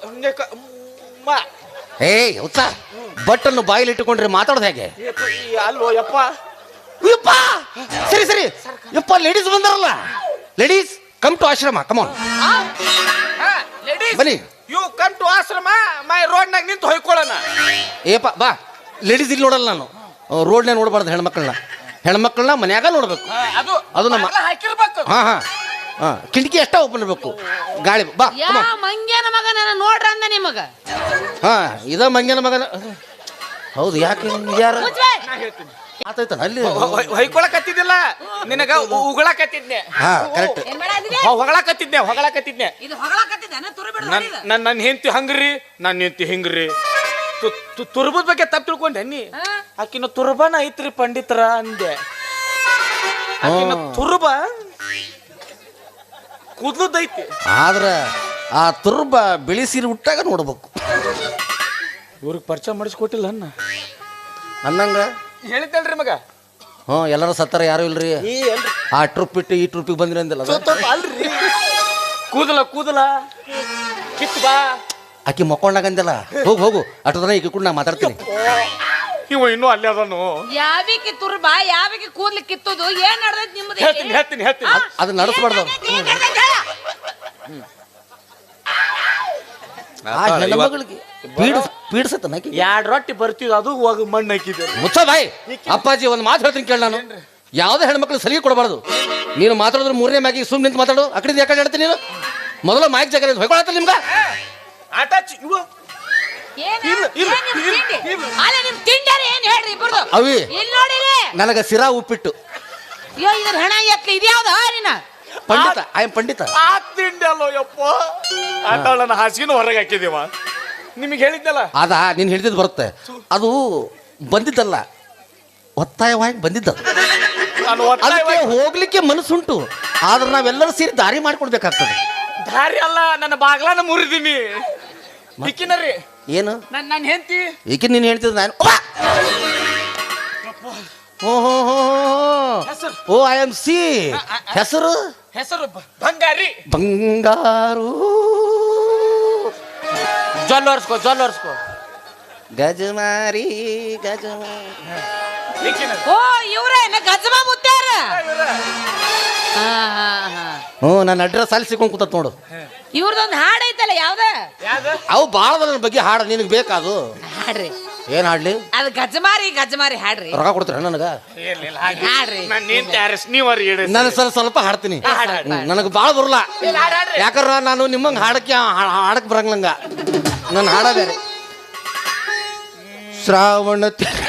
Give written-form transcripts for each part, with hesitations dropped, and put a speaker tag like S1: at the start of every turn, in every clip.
S1: ಏಯ್ ಹುಚ್ಚ ಬಟ್ಟನ್ನು ಬಾಯಿಲಿ ಇಟ್ಟುಕೊಂಡ್ರೆ ಮಾತಾಡೋದು ಹೇಗೆ?
S2: ಅಲ್ಲೋ ಯಪ್ಪ
S1: ಯಪ್ಪ ಸರಿ ಸರಿ ಯಪ್ಪ ಲೇಡೀಸ್ ಬಂದಾರಲ್ಲ ladies come to ashram come on ಬನ್ನಿ.
S2: ಯು ಕಮ್ ಟು ಆಶ್ರಮ ಮೈ ರೋಡ್ನಾಗ ನಿಂತು ಹೊಯ್ಕೊಳ್ಳೋಣ.
S1: ಏಪ್ಪ ಬಾ ಲೇಡೀಸ್ ಇಲ್ಲಿ ನೋಡಲ್ಲ ನಾನು ರೋಡ್ನೇ ನೋಡಬಾರ್ದು ಹೆಣ್ಮಕ್ಳನ್ನ ಮನ್ಯಾಗ ನೋಡ್ಬೇಕು. ಅದು ನಮ್ಮ
S2: ಹಾಕಿರ್ಬೇಕು.
S1: ಹಾ ಹಾ ಹಾ ಕಿಟಕಿ ಅಷ್ಟ ಓಪನ್ ಇರಬೇಕು ಗಾಳಿ ಬಾ
S3: ಮಂಗ್ಯನ ಮಗನ ನೋಡ್ರ ಅಂದ ನಿಮಗ.
S1: ಹಾ ಇದ ಮಂಗ್ಯನ ಮಗನ ಹೌದು ಯಾಕೆ ಯಾರು ಆತೈತನ ಅಲ್ಲಿ
S2: ಹೊಯ್ಕೊಳಕತ್ತಿದ್ದಿಲ್ಲ ನಿನಗ ಉಗಳಕತ್ತಿದ್ನೆ.
S1: ಹಾ ಕರೆಕ್ಟ್
S2: ಹೊಗಳಕತ್ತಿದ್ನೆ ನನ್ನ ಹೆಂಡತಿ ಹಂಗ್ರಿ ನನ್ನ ಹೆಂಡತಿ ಹಿಂಗ್ರಿ ತುರ್ಬದ ಬಗ್ಗೆ ತಪ್ಪು ತಿಳ್ಕೊಂಡೆ ನೀ. ಆಕಿನ ತುರ್ಬನ ಐತ್ರಿ ಪಂಡಿತರ ಅಂದೆ. ಆಕಿನ ತುರ್ಬ ಕೂದ್ಲದೈತಿ
S1: ಆದ್ರ ಆ ತುರ್ಬ ಬಿಳಿ ಸೀರೆ ಉಟ್ಟಾಗ ನೋಡ್ಬೇಕು.
S2: ಇವ್ರಿಗೆ ಪರಿಚಯ ಮಾಡಿಸ್ಕೊಟ್ಟಿಲ್ಲ
S1: ಅನ್ನಂಗ
S2: ಹೇಳಿದ್ದಲ್ರಿ ಮಗ.
S1: ಹ್ಞೂ ಎಲ್ಲರೂ ಸತ್ತಾರ ಯಾರು ಇಲ್ರಿ. ಆ ಟ್ರಿಪ್ ಬಿಟ್ಟು ಈ ಟ್ರಿಪ್ಪಿಗೆ ಬಂದ್ರಿ ಅಂದಿಲ್ಲ
S2: ಅಲ್ರಿ ಕೂದಲ ಕಿತ್ ಬಾ
S1: ಆಕಿ ಮಕ್ಕೊಂಡಾಗ ಅಂದಿಲ್ಲ. ಹೋಗು ಅಷ್ಟೊತ್ತನ ಈಗ ಕೂಡ ನಾ ಮಾತಾಡ್ತೀನಿ.
S2: ಇವ ಇನ್ನೂ ಅಲ್ಲೇ ಅದನು.
S3: ಯಾವಿಗೆ ತುರ್ಬಾ ಯಾವಿಗೆ ಕೂದ್ಲಿ ಕಿತ್ತೋದು ಏನ್ ನಡೆದೈತಿ ನಿಮ್ಮದು?
S2: ಹೇಳ್ತೀನಿ
S1: ಅದನ್ನ ನಡೆಸ್ಬಾರ್ದು. ಆ ಹೆಣ್ಮಗಳಿಗೆ ಪೀಡಿಸತ್ತ
S2: ಎರಡು ರೊಟ್ಟಿ ಬರ್ತಿದ್ ಅದು ಹೋಗಿ ಮಣ್ಣು ಹಾಕಿದ್ದೆ.
S1: ಮುಚ್ಚ ಬಾಯ್ ಅಪ್ಪಾಜಿ ಒಂದು ಮಾತು ಹೇಳ್ತೀನಿ ಕೇಳ. ನಾನು ಯಾವುದೇ ಹೆಣ್ಮಕ್ಳು ಸಲಿಗೆ ಕೊಡಬಾರ್ದು. ನೀನು ಮಾತಾಡಿದ್ರೆ ಮೂರನೇ ಮ್ಯಾಗಿಗೆ ಸುಮ್ಮನೆ ನಿಂತು ಮಾತಾಡು. ಆ ಕಡೆ ಯಾಕಡೆ ಹೇಳ್ತೀನಿ ನೀನು ಮೊದಲು ಮೈಕ್ ಜಾಗ ಹೊಯ್ಕೊಳತ್ತ ನಿಮ್ಗೆ
S2: ಆಟ
S1: ಅವಿ ನನಗ ಸಿರಾ ಉಪ್ಪಿಟ್ಟು ಪಂಡಿತ ಐ ಎಂ ಪಂಡಿತ.
S2: ಆ ತಿಂಡಿ ಅಲ್ಲೋ ಯಪ್ಪ ಆಟಾಳನ್ನ ಹಾಸಿನ ಹೊರಗೆ ಹಾಕಿದೀವ. ನಿಮಗೆ ಹೇಳಿದ್ದಲ್ಲ
S1: ಅದ ನೀನು ಹಿಡಿದಿದ್ದು ಬರುತ್ತೆ. ಅದು ಬಂದಿದ್ದಲ್ಲ ಒತ್ತಾಯವಾಗಿ ಬಂದಿದ್ದ. ಅದಕ್ಕೆ ಹೋಗ್ಲಿಕ್ಕೆ ಮನಸ್ಸುಂಟು ಆದ್ರೆ ನಾವೆಲ್ಲರೂ ಸೇರಿ ದಾರಿ ಮಾಡ್ಕೊಡ್ಬೇಕಾಗ್ತದೆ.
S2: ದಾರಿ ಅಲ್ಲ ನನ್ನ ಬಾಗ್ಲಾನ ಮುರಿದೀನಿ. ಇಕ್ಕಿನರಿ
S1: ಏನು
S2: ನನ್ನ ಹೆಂಡತಿ
S1: ಈಕೆ ನೀನು ಹೇಳ್ತಿದ್ದ ನಾನು ಓ ಐ ಎಮ್ ಸಿ ಹೆಸರು
S2: ಬಂಗಾರಿ
S1: ಬಂಗಾರು
S2: ಜೊಲ್ಲರ್ಸ್ಕೋ
S1: ಗಜಮಾರಿ
S3: ಓ ಇವ್ರೇನ ಗಜಮ ಮುತ್ಯಾರ.
S1: ಹ್ಞೂ ನನ್ನ ಅಡ್ರೆಸ್ ಅಲ್ಲಿ ಸಿಕ್ಕೊಂಡು ಕೂತ ನೋಡು.
S3: ಇವ್ರದೊಂದು ಹಾಡು ಐತಲ್ಲ ಯಾವ್ದ
S1: ಅವು ಭಾಳ ನನ್ನ ಬಗ್ಗೆ ಹಾಡು ನಿನಗೆ ಬೇಕಾದು
S3: ಹಾಡ್ರಿ.
S1: ಏನ್ ಹಾಡ್ಲಿ?
S3: ಅದು ಗಜಮಾರಿ ಹಾಡ್ರಿ.
S1: ರೊಕ್ಕ ಕೊಡ್ತೀರ ನನಗ?
S3: ಹಾಡ್ರಿ
S1: ನಾನು ಸ್ವಲ್ಪ ಹಾಡ್ತೀನಿ. ನನಗೆ ಭಾಳ ಬರಲ್ಲ ಯಾಕಂದ್ರ ನಾನು ನಿಮ್ಮಂಗೆ ಹಾಡಕ್ ಬರಂಗ ನನ್ನ ಹಾಡ ಬೇರೆ. ಶ್ರಾವಣ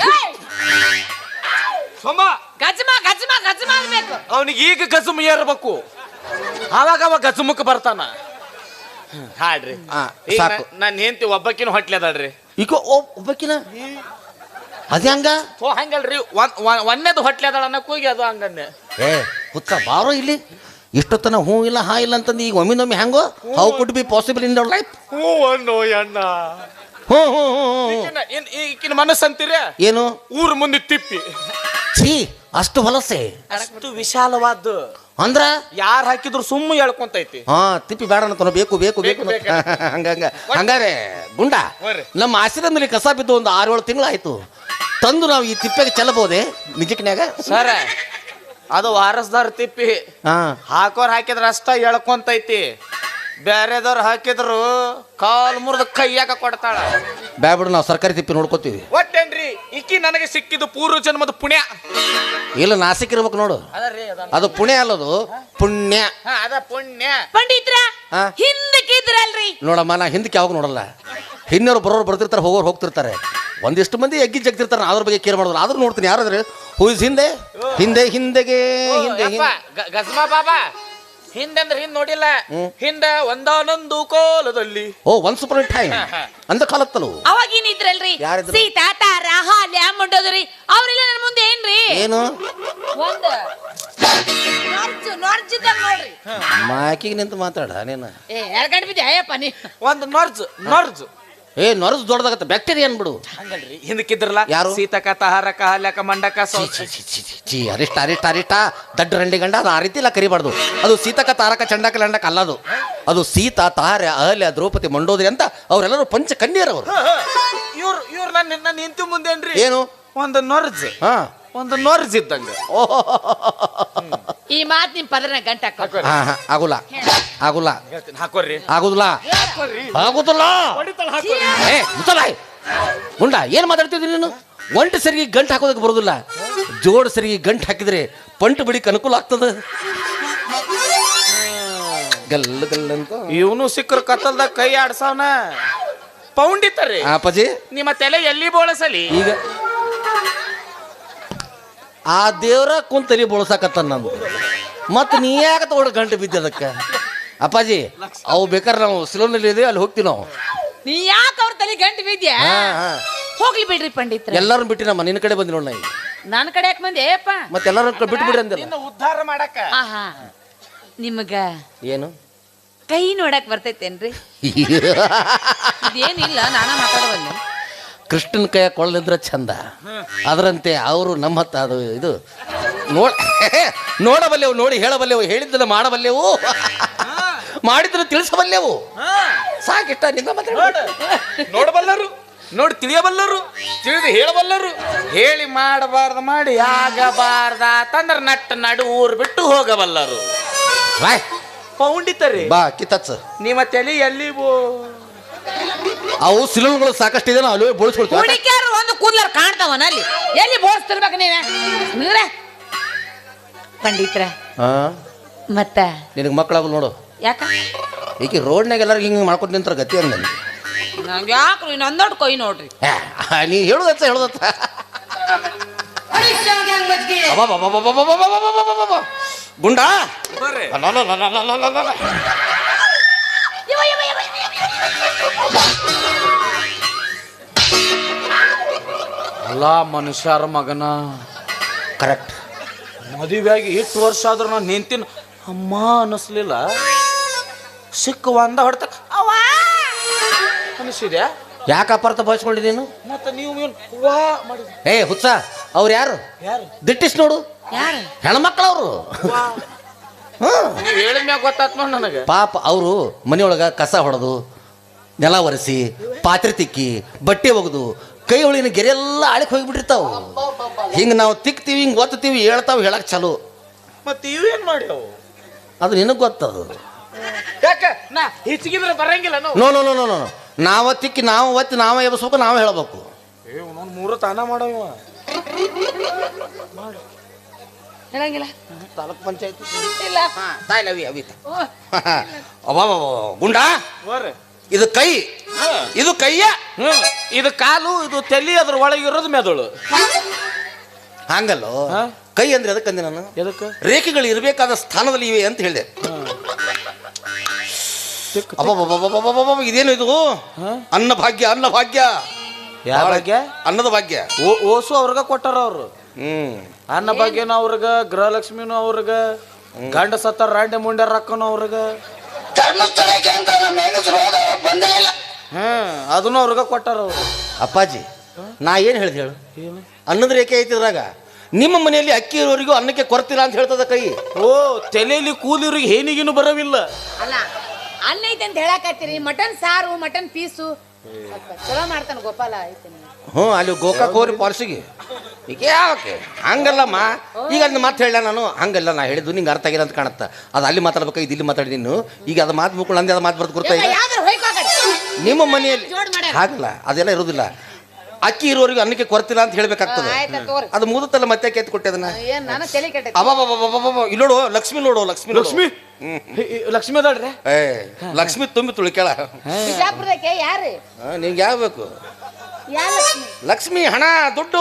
S3: ಗಜಮ ಅನ್ಬೇಕು
S2: ಅವನಿಗೆ. ಈಗ ಗಜಮ ಏರ್ಬೇಕು ಅವಾಗ ಅವ ಗಜಮಕ್ಕೆ ಬರ್ತಾನ. ಹಾಡ್ರಿ
S1: ಸಾಕು.
S2: ನನ್ನ ಹೆಂಡತಿ ಒಬ್ಬಕಿನ ಹೊಟ್ಲೆ ಅದಾಳ್ರಿ.
S1: ಈಗ ಒಬ್ಬಕಿನ ಅದ ಹಂಗ
S2: ಹಂಗಲ್ರಿ ಒಂದೇದು ಹೊಟ್ಲೆ ಅದಾಳ ಅನ್ನಕ್ ಹೋಗಿ ಅದು ಹಂಗನ್ನೆ.
S1: ಏ ಹುಚ್ಚ ಬಾರೋ ಇಲ್ಲಿ ಇಷ್ಟೊತ್ತನ ಹೂ ಇಲ್ಲ ಹಾ ಇಲ್ಲ ಅಂತಂದು ಈಗ ಒಮ್ಮೆ ಹೆಂಗೋ how could be possible in their life?
S2: ಹ್ಞೂ ಅನ್ನೋ ಅಣ್ಣ. ಈಕಿನ ಮನಸ್ಸು ಅಂತೀರ
S1: ಏನು?
S2: ಊರ್ ಮುಂದೆ ತಿಪ್ಪಿ
S1: ಛೀ ಅಷ್ಟು ಹೊಲಸೆ
S2: ಅಷ್ಟು ವಿಶಾಲವಾದ
S1: ಅಂದ್ರ
S2: ಯಾರು ಹಾಕಿದ್ರು ಸುಮ್ಮ ಹೇಳ್ಕೊಂತೈತಿ.
S1: ಹಾ ತಿಪ್ಪಿ ಬೇಡ ಅಂತ ಬೇಕು ಹಂಗಾರೆ ಗುಂಡ ನಮ್ಮ ಆಶ್ರಮದಲ್ಲಿ ಕಸ ಬಿದ್ದು ಒಂದು 6-7 ತಿಂಗಳಾಯ್ತು. ತಂದು ನಾವು ಈ ತಿಪ್ಪೆಗೆ ಚೆಲ್ಲಬಹುದೇ ನಿಜಕ್ನ್ಯಾಗ?
S2: ಸರ ಅದು ವಾರಸ್ದಾರ ತಿಪ್ಪಿ. ಹಾಕೋರ್ ಹಾಕಿದ್ರ ಅಷ್ಟ ಹೇಳ್ಕೊಂತೈತಿ. ಬೇರೆದವ್ರು ಹಾಕಿದ್ರು ಕಾಲ್ ಮುರಿದ ಕೈಯಾಗ ಕೊಡ್ತಾಳ.
S1: ಬ್ಯಾಬಿಡು ನಾವು ಸರ್ಕಾರಿ ತಿಪ್ಪಿ ನೋಡ್ಕೋತೀವಿ.
S2: ಒಟ್ಟೇನ್ರಿ ಇಕ್ಕಿ ನನಗೆ ಸಿಕ್ಕಿದ್ದು ಪೂರ್ವ ಜನ್ಮದ ಪುಣ್ಯ.
S1: ಇಲ್ಲ ನಾಸಿಕ್ ಇರ್ಬೇಕು ನೋಡು. ಅದು ಪುಣ್ಯ ಅಲ್ಲದು ಪುಣ್ಯ.
S2: ಅದ ಪುಣ್ಯ.
S3: ಪಂಡಿತ್ರ ಹಿಂದಕ್ಕಿದ್ರಲ್ರಿ
S1: ನೋಡಮ್ಮ ನಾ ಹಿಂದಕ್ಕೆ ಯಾವಾಗ ನೋಡಲ್ಲ. ಹಿನ್ನೋರು ಬರೋರು ಬರ್ತಿರ್ತಾರೆ ಹೋಗೋರು ಹೋಗ್ತಿರ್ತಾರೆ. ಒಂದಿಷ್ಟು ಮಂದಿ ಎಗ್ಗಿ ಜಗ್ತಿರ್ತಾರೆ ಅದ್ರ ಬಗ್ಗೆ ಕೇರ್ ಮಾಡೋದಿಲ್ಲ. ಆದ್ರೂ ನೋಡ್ತೀನಿ ಯಾರಾದ್ರೆ ಹೂಸ್ ಹಿಂದೆಗೆ
S2: ಗಜ್ಮಾ ಬಾಬಾ ಹಿಂದಂದ್ರೆ ಹಿಂದ್ ನೋಡಿಲ್ಲ. ಹಿಂದ ಒಂದಾನೊಂದು ಕೋಲದಲ್ಲಿ
S1: ಒನ್ಸ್ ಅಪಾನ್ ಎ ಟೈಮ್ ಅಂದ ಕಾಲತ್ತಲು
S3: ಅವಾಗಿನ ಇದ್ರಲ್ರಿ ಸೀತಾ ತಾರ ಹಾಲ್ಯ ಮುಂಡೋದ್ರಿ ಅವ್ರೆಲ್ಲ ನನ್ನ ಮುಂದೆ ಏನ್ರಿ
S1: ಏನು
S3: ಒಂದು ನೋಡ್ಜಿದ್ದಂಗ ನೋಡ್ರಿ.
S1: ಮಾಕಿಗೆ ನಿಂತು ಮಾತಾಡ ನೀನು.
S3: ಎರಡು ಗಂಟೆ ಬಿದ್ದೆ ಅಯ್ಯಪ್ಪ ನೀ
S2: ಒಂದು ನೊರ್ಜ್
S1: ಏ ನೊರಸ್ ದೊಡ್ಡದಾಗತ್ತೆ ಬ್ಯಾಕ್ಟೀರಿಯಾ ಅನ್ಬಿಡು.
S2: ಹಂಗಲ್ರಿ ಹಿಂದಕ್ಕಿದ್ರಲ್ಲ
S1: ಯಾರು?
S2: ಸೀತಕ ತಹಾರಕ ಹಾಲಕ ಮಂಡಕ
S1: ಚಿ ಅರಿಷ್ಟ ಅರಿಷ್ಟ ಅರಿಷ್ಟ ದಡ್ಡ ರಂಡಿ ಗಂಡ ಅದು ಆ ರೀತಿ ಇಲ್ಲ ಕರಿಬಾರ್ದು. ಅದು ಸೀತಕ ತಾರಕ ಚಂಡಕ ಲಂಡಕ ಅಲ್ಲದು. ಅದು ಸೀತಾ ತಾರ್ಯ ಅಹಲ್ಯ ದ್ರೌಪದಿ ಮಂಡೋದರಿ ಅಂತ ಅವರೆಲ್ಲರೂ ಪಂಚ ಕನ್ಯರವರು.
S2: ಇವ್ರು ನನ್ನ ನಿಂತು ಮುಂದೇನ್ರಿ
S1: ಏನು
S2: ಒಂದು ನೊರ್ಜ್
S1: ಹಾ
S2: ಒಂದು ನೊರ್ಜ್ ಇದ್ದಂಗ.
S3: ಈ ಮಾತ್ ನಿಮ್ ಪದರನ ಗಂಟ ಹಾಕೋ.
S1: ಆಗುಲ್ಲ ಆಗುಲ್ಲ
S2: ಹಾಕೋರಿ
S1: ಆಗುದಿಲ್ಲ ಆಗುದಿಲ್ಲ. ಏ ಮುತ್ತಲಾಯ್ ಗುಂಡ ಏನ್ ಮಾತಾಡ್ತಿದ್ರಿ ನೀನು? ಒಂಟು ಸರಿಗೆ ಗಂಟು ಹಾಕೋದಕ್ಕೆ ಬರೋದಿಲ್ಲ. ಜೋಡ್ ಸರಿಗೆ ಗಂಟು ಹಾಕಿದ್ರೆ ಪಂಟು ಬಿಡಿಕ್ ಅನುಕೂಲ ಆಗ್ತದ. ಗಲ್ಲ ಗಲ್ಲ ಅಂತ
S2: ಇವನು ಸಿಕ್ಕರು ಕತ್ತಲ್ದಾಗ ಕೈ ಆಡ್ಸವನ ಪೌಂಡಿತಾರೆ.
S1: ಅಪ್ಪಾಜಿ
S2: ನಿಮ್ಮ ತಲೆ ಎಲ್ಲಿ ಬೋಳಸಲಿ.
S1: ಈಗ ಆ ದೇವ್ರ ಕುಂತಲಿ ಬೋಳ್ಸಾಕತ್ತ ನಂದು. ಮತ್ತೆ ನೀ ಯಾಕೆ ತಗೊಂಡು ಗಂಟು ಬಿದ್ದದಕ್ಕೆ? ಅಪ್ಪಾಜಿ ಅವು ಬೇಕಾದ್ರೆ ನಾವು ಸಿಲೋನಲ್ಲಿ ಇದೆ ಅಲ್ಲಿ ಹೋಗ್ತೀವಿ ನಾವು.
S3: ನೀ ಯಾಕೆ ಅವ್ರ ತಲೆ ಗಂಟು ಬಿದ್ಯಾ? ಹೋಗ್ಲಿ ಬಿಡ್ರಿ ಪಂಡಿತ್ರ.
S1: ಎಲ್ಲರೂ ಬಿಟ್ಟು ನಮ್ಮ ನಿನ್ನ ಕಡೆ ಬಂದಿ ನೋಡ್ ನಾ ಈಗ.
S3: ನನ್ನ ಕಡೆ ಯಾಕೆ ಬಂದೆ ಏಪ್ಪ?
S1: ಮತ್ತೆ ಎಲ್ಲರೂ ಬಿಟ್ಟು ಬಿಡ್ರಿ ಅಂದಿಲ್ಲ.
S2: ಉದ್ಧಾರ ಮಾಡಕ
S3: ಆಹಾ ನಿಮಗ
S1: ಏನು
S3: ಕೈ ನೋಡಕ್ ಬರ್ತೈತೇನ್ರಿ? ಇದೇನಿಲ್ಲ ನಾನ ಮಾತಾಡವಲ್ಲ.
S1: ಕೃಷ್ಣನ ಕೈಯ ಕೊಳ್ಳಿದ್ರೆ ಚಂದ. ಅದರಂತೆ ಅವರು ನಮ್ಮ ಹತ್ತ ಅದು ಇದು ನೋಡಬಲ್ಲೆವು, ನೋಡಿ ಹೇಳಬಲ್ಲೆವು, ಹೇಳಿದ್ದನ್ನು ಮಾಡಬಲ್ಲೆವು, ಮಾಡಿದ್ರೆ ತಿಳಿಸಬಲ್ಲೆವು. ಸಾಕಿಷ್ಟ ನಿಂದ
S2: ನೋಡಬಲ್ಲರು, ನೋಡಿ ತಿಳಿಯಬಲ್ಲರು, ತಿಳಿದು ಹೇಳಬಲ್ಲರು, ಹೇಳಿ ಮಾಡಬಾರ್ದು ಮಾಡಿ ಆಗಬಾರ್ದ ತಂದ್ರ ನಟ್ಟ ನಡು ಊರು ಬಿಟ್ಟು ಹೋಗಬಲ್ಲರು. ಪೌಂಡಿತರಿ
S1: ಬಾ ಕಿತ್ತಚ್ಚ
S2: ನಿಮ್ಮ ತಲೆ ಎಲ್ಲಿ
S1: ಅವು ಸಿಲೋನ್ಗಳು ಸಾಕಷ್ಟು ಇದೆ. ನಾವು ಅಲ್ಲೇ ಬೋಳಿಸ್ಕೊಳ್ತೀವಿ.
S3: ಹುಡುಕ್ಯಾರು ಒಂದು ಕೂದ್ಲಾರ ಕಾಣ್ತಾವನ ಅಲ್ಲಿ ಎಲ್ಲಿ ಬೋಳಿಸ್ತಿರ್ಬೇಕು ನೀವೇ ಪಂಡಿತ್ರ. ಮತ್ತ
S1: ನಿನಗೆ ಮಕ್ಕಳಾಗು ನೋಡು.
S3: ಯಾಕ
S1: ಈಗ ರೋಡ್ನಾಗ ಎಲ್ಲರೂ ಹಿಂಗೆ ಮಾಡ್ಕೊಂಡು ನಿಂತರ ಗತಿ ಹಂಗ ನನಗೆ.
S3: ನಂಗೆ ಯಾಕ್ರಿ ನಂದೊಟ್ಟು ಕೈ ನೋಡ್ರಿ.
S1: ನೀ ಹೇಳುದತ್ತ ಹೇಳುದತ್ತ ಗುಂಡ
S2: ಅಲ್ಲ ಮನುಷ್ಯರ ಮಗನ
S1: ಕರೆಕ್ಟ್.
S2: ಮದುವೆಯಾಗಿ 8 ವರ್ಷ ಆದ್ರೂ ನಾನು ನಿಂತಿನ ಅಮ್ಮ ಅನ್ನಿಸ್ಲಿಲ್ಲ. ಸಿಕ್ಕ ಒಂದ ಹೊಡ್ತ ಅನಿಸಿದ್ಯಾ?
S1: ಯಾಕೆ ಅಪಾರ್ಥ ಭಾವಿಸ್ಕೊಂಡಿ ನೀನು?
S2: ಮತ್ತೆ ನೀವು
S1: ಏ ಹುಚ್ಚ ಅವ್ರು ಯಾರು? ದಿಟ್ಟಿಸ್ ನೋಡು,
S3: ಯಾರು
S1: ಹೆಣ್ಮಕ್ಳವ್ರು.
S2: ಹೇಳಿದ ಮ್ಯಾಗ ಗೊತ್ತಾತ್ ನೋಡಿ ನನಗೆ.
S1: ಪಾಪ ಅವರು ಮನೆಯೊಳಗ ಕಸ ಹೊಡೆದು, ನೆಲ ಒರೆಸಿ, ಪಾತ್ರೆ ತಿಕ್ಕಿ, ಬಟ್ಟೆ ಒಗೆದು, ಕೈ ಒಳಗಿನ ಗೆರೆಲ್ಲ ಆಳಿಕ್ ಹೋಗಿಬಿಟ್ಟಿರ್ತಾವ. ಹಿಂಗೆ ನಾವು ತಿಕ್ತೀವಿ, ಹಿಂಗೆ ಒತ್ತೀವಿ, ಹೇಳ್ತಾವ, ಹೇಳಕ್ ಚಲೋ.
S2: ಮತ್ತೆ ಇವೇನ್ ಮಾಡ್ಯಾವು?
S1: ಅದು ನಿನಗೆ ಗೊತ್ತದು.
S2: ಯಾಕೆ ನಾ ಹೆಚ್ಚಿಗಿದ್ರೆ ಬರಂಗಿಲ್ಲ ನಾವು.
S1: No no no no no ನಾವ ತಿಕ್ಕಿ ನಾವು ಒತ್ತಿ ನಾವೇ ಎಬ್ಸ್ಬೇಕು, ನಾವೇ ಹೇಳ್ಬೇಕು.
S2: ನಾನು 3 ತಾನ ಮಾಡವ
S3: ಹೇಳಂಗಿಲ್ಲ.
S1: ತಾಲೂಕ್ ಪಂಚಾಯತ್
S3: ಇಲ್ಲ
S1: ಗುಂಡ ಇದು ಕೈ, ಇದು ಕೈಯ,
S2: ಇದು ಕಾಲು, ಇದು ತಲೆ, ಅದ್ರ ಒಳಗಿರೋದು ಮೆದುಳು.
S1: ಹಂಗಲ್ಲೋ ಕೈ ಅಂದ್ರೆ ಅದಕ್ಕಂದೆ ನಾನು.
S2: ಎದಕ್ಕೆ?
S1: ರೇಖೆಗಳು ಇರಬೇಕಾದ ಸ್ಥಾನದಲ್ಲಿ ಇವೆ ಅಂತ ಹೇಳಿದೆ. ಇದೇನು ಇದು? ಅನ್ನ ಭಾಗ್ಯ, ಅನ್ನ ಭಾಗ್ಯ.
S2: ಯಾವ ಭಾಗ್ಯ?
S1: ಅನ್ನದ ಭಾಗ್ಯ.
S2: ಓಸು ಅವ್ರಗ ಕೊಟ್ಟಾರ ಅವ್ರು. ಅನ್ನ ಭಾಗ್ಯನ ಅವ್ರಗ, ಗೃಹಲಕ್ಷ್ಮಿನೂ ಅವ್ರಗ, ಗಂಡ ಸತ್ತಾರ ರಾಂಡೆ ಮುಂಡ್ಯಾರ ರಕ್ಕನು ಅವ್ರಗ, ಅದನ್ನು ಅವ್ರಗ ಕೊಟ್ಟಾರ ಅವ್ರು.
S1: ಅಪ್ಪಾಜಿ ನಾ ಏನು ಹೇಳ್ದೆ ಹೇಳು? ಅನ್ನದ ರೇಖೆ ಐತಿದ್ರಾಗ ನಿಮ್ಮ ಮನೆಯಲ್ಲಿ ಅಕ್ಕಿ ಇರೋರಿಗೂ ಅನ್ನಕ್ಕೆ ಕೊರತಿಲ್ಲ ಅಂತ ಹೇಳ್ತದ ಕೈ.
S2: ಓ ತಲೆಯಲ್ಲಿ ಕೂಲಿವ್ರಿಗೆ ಏನಿಗೇನು ಬರವಿಲ್ಲ.
S3: ಅಲ್ಲ ಅನ್ನ ಐತೆ ಅಂತ ಹೇಳಕತ್ತೀರಿ. ಮಟನ್ ಸಾರು, ಮಟನ್ ಪೀಸು ಚಲೋ ಮಾಡ್ತಾನ ಗೋಪಾಲ ಐತೆ.
S1: ಅಲ್ಲಿ ಗೋಕಾಕ್ ಹೋರಿ ಪಾಲ್ಸಿಗೆ ಈಗ ಯಾಕೆ ಹಂಗಲ್ಲಮ್ಮ. ಈಗ ಅದನ್ನ ಮಾತು ಹೇಳ ನಾನು ಹಂಗಲ್ಲ. ನಾ ಹೇಳಿದ್ದು ನಿಂಗೆ ಅರ್ಥ ಆಗಿಲ್ಲ ಅಂತ ಕಾಣುತ್ತಾ. ಅದು ಅಲ್ಲಿ ಮಾತಾಡ್ಬೇಕು, ಇದು ಇಲ್ಲಿ ಮಾತಾಡಿ. ನೀನು ಈಗ ಅದು ಮಾತು ಮುಕ್ಳು ಅಂದೆ, ಅದು ಮಾತು ಬರ್ದು ಗೊತ್ತಾ? ನಿಮ್ಮ ಮನೆಯಲ್ಲಿ ಹಾಗಲ್ಲ, ಅದೆಲ್ಲ ಇರೋದಿಲ್ಲ. ಅಕ್ಕಿ ಇರೋರಿಗೆ ಅನ್ನಕ್ಕೆ ಕೊರತಿಲ್ಲ ಅಂತ ಹೇಳ್ಬೇಕಾಗ್ತದೆ. ಅದು ಮುಗಿದಲ್ಲ ಮತ್ತೆ ಕೆತ್ತು ಕೊಟ್ಟೆ ಅದನ್ನ. ಇಲ್ಲಿ ನೋಡು ಲಕ್ಷ್ಮಿ, ನೋಡು ಲಕ್ಷ್ಮಿ, ಲಕ್ಷ್ಮಿ
S2: ಲಕ್ಷ್ಮಿ ಅದಾಳ್ರಿ.
S1: ಲಕ್ಷ್ಮಿ ತುಂಬಿ ತುಳಿಕೇಳ.
S3: ಯಾರು
S1: ನಿಂಗೆ ಯಾವ ಬೇಕು? ಲಕ್ಷ್ಮಿ, ಹಣ, ದುಡ್ಡು,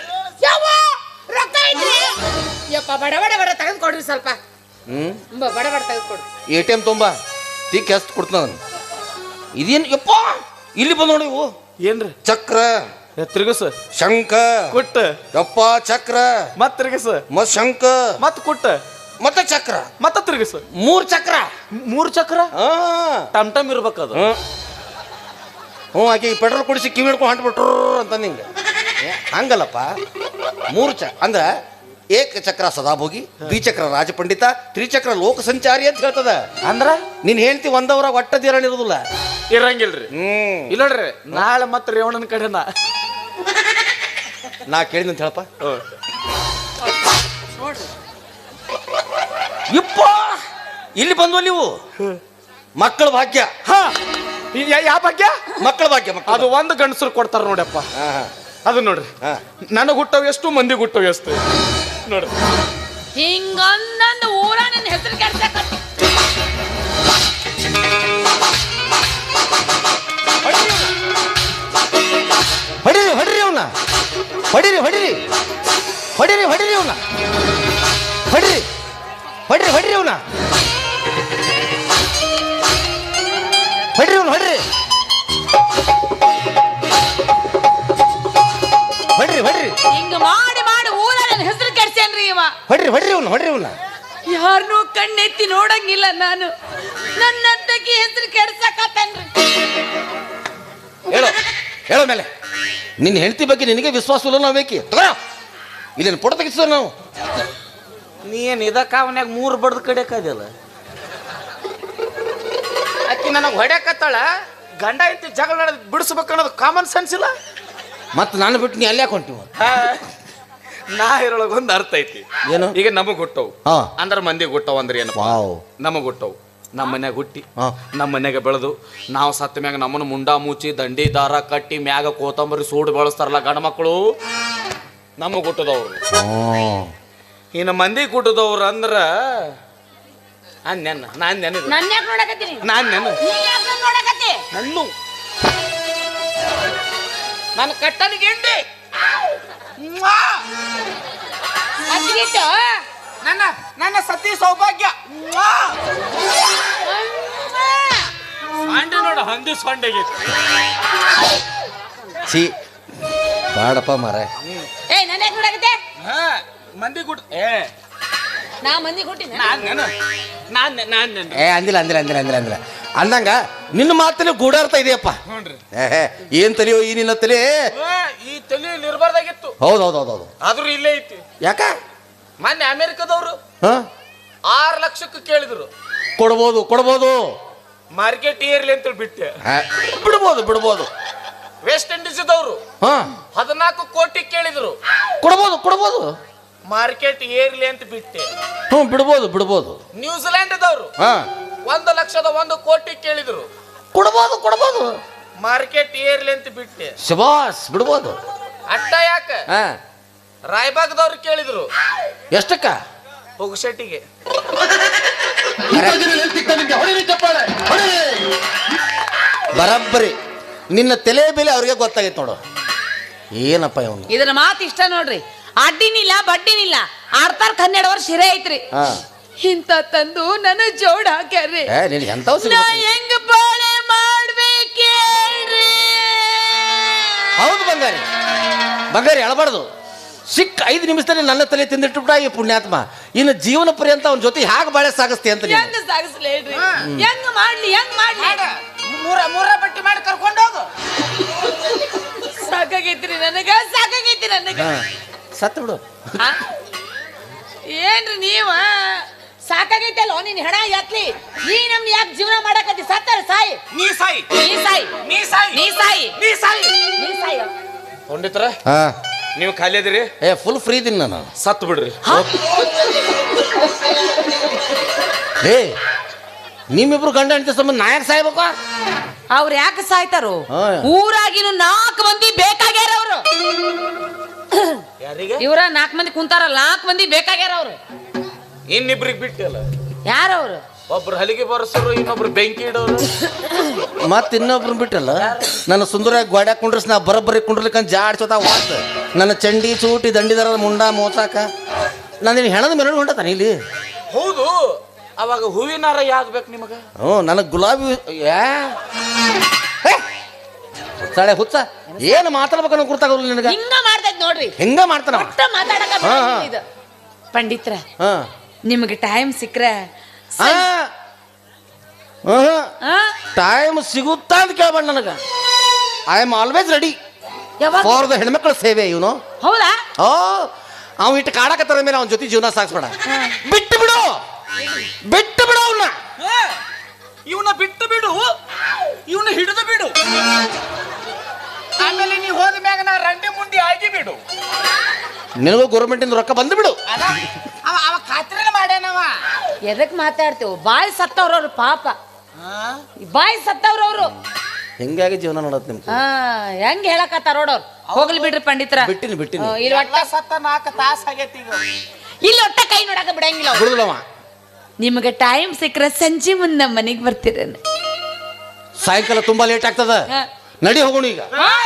S3: ಬಡ ಬಡ ಬಡ ತೆಗೆದುಕೊಡ್ರಿ ಸ್ವಲ್ಪ. ಬಡ ಬಡ ತೆಗೆದುಕೊಡ್ರಿ.
S1: ATM ತುಂಬಾ ತಿಕ್ಕಿ ಎಷ್ಟು ಕೊಡ್ತಾನ. ಇದೇನು ಯಪ್ಪ ಇಲ್ಲಿ ಬಂದ ನೋಡಿ. ಇವು
S2: ಏನ್ರಿ?
S1: ಚಕ್ರ,
S2: ತಿರುಗಸ,
S1: ಶಂಕ,
S2: ಕುಟ್ಟ,
S1: ಯಪ್ಪ ಚಕ್ರ,
S2: ಮತ್ ತಿರುಗಸ,
S1: ಮತ್ ಶಂಕ,
S2: ಮತ್ ಕುಟ್ಟ,
S1: ಮತ್ತೆ ಚಕ್ರ,
S2: ಮತ್ತ ತಿರುಗಸ.
S1: 3 ಚಕ್ರ.
S2: 3 ಚಕ್ರ ಟಮ್ ಟಮ್ ಇರ್ಬೇಕದು.
S1: ಹ್ಞೂ ಆಕೆ ಪೆಟ್ರೋಲ್ ಕುಡಿಸಿ ಕಿವಿ ಹಿಡ್ಕೊಂಡು ಹೊಂಟ್ಬಿಟ್ರು ಅಂತ ನಿಂಗೆ ಹಂಗಲ್ಲಪ್ಪ 3 ಅಂದ್ರೆ ಏಕಚಕ್ರ ಸದಾಭೋಗಿ, ದ್ವಿಚಕ್ರ ರಾಜಪಂಡಿತ, ತ್ರಿಚಕ್ರ ಲೋಕ ಸಂಚಾರಿ ಅಂತ ಹೇಳ್ತದ.
S2: ಅಂದ್ರ
S1: ನೀನ್ ಹೇಳ್ತಿ ಒಂದವರಾಗ ಒಟ್ಟದಿರಣ ಇರೋದಿಲ್ಲ.
S2: ಇರಂಗಿಲ್ರಿ. ಇಲ್ಲ ನೋಡ್ರಿ, ನಾಳೆ ಮತ್ತೆ ರೇವಣನ ಕಡೆನ
S1: ನಾ ಕೇಳಿದಂತ ಹೇಳಪ್ಪ. ಇಪ್ಪ ಇಲ್ಲಿ ಬಂದ್ವ ನೀವು ಮಕ್ಕಳ ಭಾಗ್ಯ.
S2: ಹಾ, ಯಾವ ಭಾಗ್ಯ?
S1: ಮಕ್ಕಳ ಭಾಗ್ಯ.
S2: ಅದು ಒಂದು ಗಂಡಸರು ಕೊಡ್ತಾರ ನೋಡಪ್ಪ. ಅದು ನೋಡ್ರಿ, ನನಗ್ ಹುಟ್ಟವ್ ಎಷ್ಟು, ಮಂದಿಗೆ ಹುಟ್ಟವ್ ಎಷ್ಟು ನೋಡ್ರಿ.
S3: ಹಿಂಗೊಂದೊಂದು ಊರ ನನ್ನ ಹೆಸರು ಕೆಡ್ಸಕ
S1: ಹೊಡಿರಿ ಹೊಡಿರಿ ಅವನ್ನ, ಹೊಡಿರಿ ಹೊಡಿರಿ ಹೊಡಿರಿ ಹೊಡಿರಿ ಅವನ್ನ, ಹೊಡಿರಿ ಹೊಡಿರಿ ಹೊಡಿರಿ ಅವನ್ನ, ಹೊಡಿರಿ ಅವನ್ನ, ಹೊಡಿರಿ ಹೊಡ್ರಿ ಹೊಡ್ರಿ.
S3: ಹಿಂಗ ಮಾಡಿ ಮಾಡಿ ಊರ ನನ್ನ ಹೆಸರು ಕೆಡ್ಸೇನ್ರಿ ಇವ.
S1: ಹೊಡ್ರಿ ಹೊಡ್ರಿ ಅವ್ನ, ಹೊಡ್ರಿ ಅವ್ನ.
S3: ಯಾರನ್ನೂ ಕಣ್ಣೆತ್ತಿ ನೋಡಂಗಿಲ್ಲ ನಾನು. ನನ್ನಂತಕಿ ಹೆಸರು ಕೆಡ್ಸಕತ್ತನ್ರಿ.
S1: ಹೇಳೋ ಹೇಳೋ ಮೇಲೆ ನಿನ್ನ ಹೆಂಡತಿ ಬಗ್ಗೆ ನಿನಗೆ ವಿಶ್ವಾಸ ಇಲ್ಲ. ನಾವು ಬೇಕಿ ತಗೋ ಇಲ್ಲೇನು ಫೋಟೋ ತೆಗಿಸೋ ನಾವು.
S2: ನೀನ್ ಇದಕ್ಕ ಅವನ್ಯಾಗ 3 ಬಡ್ದು ಕಡೆಯಲ್ಲ. ಅಕ್ಕಿ ನನಗೆ ಹೊಡ್ಯಾಕತ್ತಾಳ. ಗಂಡ ಐತಿ ಜಗಳ ನಡೆದು ಬಿಡಿಸ್ಬೇಕು ಅನ್ನೋದು ಕಾಮನ್ ಸೆನ್ಸ್ ಇಲ್ಲ.
S1: ಮತ್ತೆ ನಾನು ಬಿಟ್ಟು ನೀ ಅಲ್ಲಿ ಯಾಕೆ ಹೊಂಟಿವ?
S2: ನಾ ಇರೊಳಗೊಂದು ಅರ್ಥ ಐತಿ.
S1: ಏನು?
S2: ಈಗ ನಮಗ್ ಹುಟ್ಟವು
S1: ಹಾ
S2: ಅಂದ್ರ ಮಂದಿಗೆ ಹುಟ್ಟವು ಅಂದ್ರೆ ಏನಪ್ಪ? ನಮಗ್ ಹುಟ್ಟವು, ನಮ್ಮ ಮನ್ಯಾಗ ಹುಟ್ಟಿ ನಮ್ಮ ಮನ್ಯಾಗ ಬೆಳೆದು ನಾವು ಸತ್ತ ಮ್ಯಾಗ ನಮ್ಮನ್ನ ಮುಂಡಾ ಮುಚ್ಚಿ ದಂಡಿ ದಾರ ಕಟ್ಟಿ ಮ್ಯಾಗ ಕೋತಂಬರಿ ಸೂಡು ಬೆಳೆಸ್ತಾರಲ್ಲ ಗಂಡ ಮಕ್ಕಳು, ನಮಗ್ ಹುಟ್ಟದವ್ರು. ಇನ್ನು ಮಂದಿಗೆ ಹುಟ್ಟದವ್ರು ಅಂದ್ರ ನಾನ್
S3: ನೋಡಕತ್ತೀನಿ.
S2: ನನ್ನು ನನ್ನ ಕಟ್ಟನ ಗೆಂಡಿ ನನ್ನ ನನ್ನ ಸತಿ ಸೌಭಾಗ್ಯ ಅಂಡೆ ನೋಡ ಹಂದಿ ಸೊಂಡೆಗೆ
S1: ಸಿ ಬಾಡಪ್ಪ ಮಾರ.
S3: ಏ ನನ್ನ ಯಾಕೆ ನೋಡಕತ್ತೆ?
S2: ಮಂದಿ ಗುಡ್
S3: ನಾ ಮಂದಿ ಕೊಟ್ಟಿನ
S1: ಏ ಅಂದಿಲ್ಲ ಅಂದಿಲ್ಲ ಅಂದಿಲ್ಲ ಅಂದಿಲ್ಲ ಅಂದಿಲ್ಲ ಅಂದಂಗ ನಿನ್ನ ಮಾತಲ್ಲಿ ಗೂಢಾರ್ಥ ಇದೆಯಪ್ಪ. ಏನ್ ತಲೆಯೋ ಈ ನಿನ್ನ ತಲೆ?
S2: ಈ ತಲೆಯಲ್ಲಿ ಇರಬಾರ್ದಾಗಿತ್ತು.
S1: ಹೌದು ಹೌದು ಹೌದು ಹೌದು.
S2: ಆದ್ರೂ ಇಲ್ಲೇ ಐತಿ.
S1: ಯಾಕ?
S2: ಮೊನ್ನೆ ಅಮೆರಿಕದವ್ರು 6 ಲಕ್ಷಕ್ಕೆ ಕೇಳಿದ್ರು.
S1: ಕೊಡ್ಬೋದು ಕೊಡ್ಬೋದು,
S2: ಮಾರ್ಕೆಟ್ ಏರ್ಲಿ ಅಂತ ಬಿಟ್ಟೆ.
S1: ಬಿಡ್ಬೋದು ಬಿಡ್ಬೋದು.
S2: ವೆಸ್ಟ್ ಇಂಡೀಸ್ದವ್ರು 14 ಕೋಟಿ ಕೇಳಿದ್ರು.
S1: ಕೊಡ್ಬೋದು ಕೊಡ್ಬೋದು,
S2: ಮಾರ್ಕೆಟ್ ಏರ್ಲಿ ಅಂತ ಬಿಟ್ಟೆ.
S1: ಬಿಡ್ಬೋದು ಬಿಡ್ಬೋದು.
S2: ನ್ಯೂಜಿಲೆಂಡ್ದವ್ರು 1,00,000 ಕೋಟಿ ಕೇಳಿದ್ರು.
S1: ಕೊಡ್ಬೋದು ಕೊಡ್ಬೋದು,
S2: ಮಾರ್ಕೆಟ್ ಏರ್ಲಿ ಅಂತ ಬಿಟ್ಟೆ.
S1: ಶಬಾಸ್ ಬಿಡ್ಬೋದು.
S2: ಅಟ್ಟ ಯಾಕ ರಾಯಬಾಗದವ್ರು ಕೇಳಿದ್ರು.
S1: ಎಷ್ಟಕ್ಕ?
S2: ಪುಗ್ಶೆಟ್ಟಿಗೆ.
S1: ಬರಬ್ಬರಿ ನಿನ್ನ ತಲೆ ಬೆಲೆ ಅವ್ರಿಗೆ ಗೊತ್ತಾಗೈತೆ ನೋಡು. ಏನಪ್ಪ ಇವನು
S3: ಇದನ್ನ ಮಾತು ಇಷ್ಟ ನೋಡ್ರಿ. ಅಡ್ಡಿನಿಲ್ಲ ಬಡ್ಡಿನಿಲ್ಲ, 12 ವರ್ಷ ಹಿರೇ ಐತ್ರಿ. ಇಂತ ತಂದು ನನ್ನ ಜೋಡ್ ಹಾಕ್ಯಾರ್ರಿ. ನಾ ಹೆಂಗ ಬಾಳೆ ಮಾಡ್ಬೇಕೇಳ್ರಿ?
S1: ಹೌದು ಬಂಗಾರಿ, ಬಂಗಾರಿ ಅಳಬಾರ್ದು. ಸಿಕ್ಕ 5 ನಿಮಿಷದಲ್ಲಿ ನನ್ನ ತಲೆ ತಿಂದಿಟ್ಬಿಟ್ಟ ಈ ಪುಣ್ಯಾತ್ಮ. ಇನ್ನು ಜೀವನ ಪರ್ಯಂತ ಅವನ ಜೊತೆ ಹೇಗೆ ಬಾಳೆ ಸಾಗಿಸ್ತಿ ಅಂತ.
S3: ಹೆಂಗ ಸಾಗಿಸ್ಲಿ ಹೇಳ್ರಿ? ಹೆಂಗ ಮಾಡ್ಲಿ ಹೆಂಗ್ ಮಾಡ್ಲಿ?
S2: ಮೂರ ಬಟ್ಟಿ ಮಾಡಿ ಕರ್ಕೊಂಡು ಹೋಗು.
S3: ಸಾಕಾಗೈತ್ರಿ ನನಗ, ಸಾಕಾಗೈತಿ ನನಗ.
S1: ಸತ್ತು ಬಿಡು.
S3: ಏನ್ರಿ ನೀವ ಸಾಕಾಗೈತಲ್ಲ ನಿನ್ ಹೆಣ ಎತ್ಲಿ. ನೀ ನಮ್ನ ಯಾಕೆ ಜೀವನ ಮಾಡಕತ್ತಿ? ಸತ್ತಾರ ಸಾಯಿ.
S2: ನೀ ಸಾಯಿ,
S3: ನೀ ಸಾಯಿ,
S2: ನೀ ಸಾಯಿ,
S3: ನೀ ಸಾಯಿ,
S2: ನೀ ಸಾಯಿ,
S3: ನೀ ಸಾಯಿ.
S2: ಪಂಡಿತರ ನೀವು ಖಾಲಿ ಅದಿರಿ?
S1: ಫುಲ್ ಫ್ರೀ ಇದೀನಿ ನಾನು.
S2: ಸತ್ತು ಬಿಡ್ರಿ.
S1: ಏ ನಿಮ್ಮಿಬ್ರು ಗಂಡ ಹೆಂಡತಿ ಸಂಬಂಧ ನಾಯಕ ಸಾಯ್ಬೇಕು?
S3: ಅವ್ರು ಯಾಕೆ ಸಾಯ್ತಾರು? ಊರಾಗಿನ 4 ಮಂದಿ ಬೇಕಾಗ್ಯಾರ ಅವ್ರು.
S2: ಯಾರಿಗೆ?
S3: ಇವ್ರ 4 ಮಂದಿ ಕುಂತಾರಲ್ಲ, 4 ಮಂದಿ ಬೇಕಾಗ್ಯಾರ ಅವ್ರು.
S2: ಇನ್ನಿಬ್ರಿಗೆ ಬಿಟ್ಟಲ್ಲ.
S3: ಯಾರವ್ರು?
S2: ಒಬ್ರು ಹಲಿಗೆ ಬರ್ಸೋರು, ಇನ್ನೊಬ್ರು ಬೆಂಕಿ ಇಡೋರು,
S1: ಮತ್ ಇನ್ನೊಬ್ರು ಬಿಟ್ಟಲ್ಲ. ನನ್ನ ಸುಂದರವಾಗಿ ಗೋಡ್ಯಾಗ ಕುಂಡ್ರಸ್ ನಾ ಬರಬ್ಬರಿ ಕುಂಡ್ರಲಿಕ್ಕಂತ ಜಾಡ್ಸೋತ ವಾತ್ ನನ್ನ ಚಂಡಿ ಚೂಟಿ ದಂಡಿದಾರದ ಮುಂಡ ಮೋಸಾಕ ನಾನು ಹೆಣದ ಮೇಲೆ ಹೊಂಟತಾನೆ ಇಲ್ಲಿ.
S2: ಹೌದು. ಅವಾಗ ಹೂವಿನಾರ ಯಾವ್ದು ಬೇಕು ನಿಮಗ?
S1: ನನಗೆ ಗುಲಾಬಿ. ಹುಚ್ಚಾಳೆ ಹುಚ್ಚ, ಏನು ಮಾತಾಡ್ಬೇಕನ್ನೋ ಗುರ್ತಾಗೋಲ್ಲ ನಿನಗ.
S3: ಹಿಂಗ ಮಾಡ್ತೈತ್ ನೋಡ್ರಿ.
S1: ಹೆಂಗ ಮಾಡ್ತಾನ
S3: ಇದು ಪಂಡಿತ್ರ. ನಿಮಗೆ ಟೈಮ್ ಸಿಕ್ಕ್ರೆ
S1: ಟೈಮ್ ಸಿಗುತ್ತಾ ಅಂತ ಕೇಳ್ಬೇಡ ನನಗ. ಐ ಆಮ್ ಆಲ್ವೇಸ್ ರೆಡಿ
S3: ಯಾವಾಗ
S1: ಫಾರ್ ದ ಹೆಣ್ಮಕ್ಳ ಸೇವೆ ಇವನು.
S3: ಹೌದಾ
S1: ಓ ಅವ್ ಇಟ್ಟು ಕಾಡಕತ್ತಾರ ಮೇಲೆ ಅವನ ಜೊತೆ ಜೀವನ ಸಾಗಿಸ್ಬೇಡ. ಬಿಟ್ಟು ಬಿಡು ಅವನ್ನ.
S2: ಇವನ್ನ ಬಿಟ್ಟು ಬಿಡು, ಇವನ್ನ ಹಿಡಿದು ಬಿಡು. ಆಮೇಲೆ ನೀ ಹೋದ ಮ್ಯಾಗ ನಾ ರಂಡಿ ಮುಂಡಿ ಆಗಿ ಬಿಡು.
S1: ನಿನಗೂ ಗೌರ್ಮೆಂಟಿಂದ ರೊಕ್ಕ ಬಂದು ಬಿಡು.
S2: ಅವ ಖಾತ್ರಿನ ಮಾಡ್ಯಾನವ.
S3: ಎದಕ್ ಮಾತಾಡ್ತೇವ? ಬಾಯಿ ಸತ್ತವ್ರವ್ರು ಪಾಪ, ಬಾಯಿ ಸತ್ತವ್ರವ್ರು.
S1: ಹಿಂಗಾಗಿ ಜೀವನ ನೋಡತ್ ನಿಮ್ಗೆ.
S3: ಹೆಂಗ್ ಹೇಳಕತ್ತಾರ ನೋಡೋರು. ಹೋಗ್ಲಿ ಬಿಡ್ರಿ ಪಂಡಿತರ.
S1: ಬಿಟ್ಟಿನಿ
S3: ಇಲ್ಲಿ ಒಟ್ಟ
S2: ಸತ್ತ 4 ತಾಸ ಆಗೈತಿ ಈಗ.
S3: ಇಲ್ಲಿ ಒಟ್ಟ ಕೈ ನೋಡಕ ಬಿಡಂಗಿಲ್ಲ.
S1: ಬಿಡುದಿಲ್ಲವ.
S3: ನಿಮಗೆ ಟೈಮ್ ಸಿಕ್ಕರೆ ಸಂಜೆ ಮುಂದೆ ನಮ್ಮ ಮನೆಗೆ ಬರ್ತೀರ.
S1: ಸಾಯಂಕಾಲ ತುಂಬಾ ಲೇಟ್ ಆಗ್ತದ, ನಡಿ ಹೋಗೋಣ ಈಗ.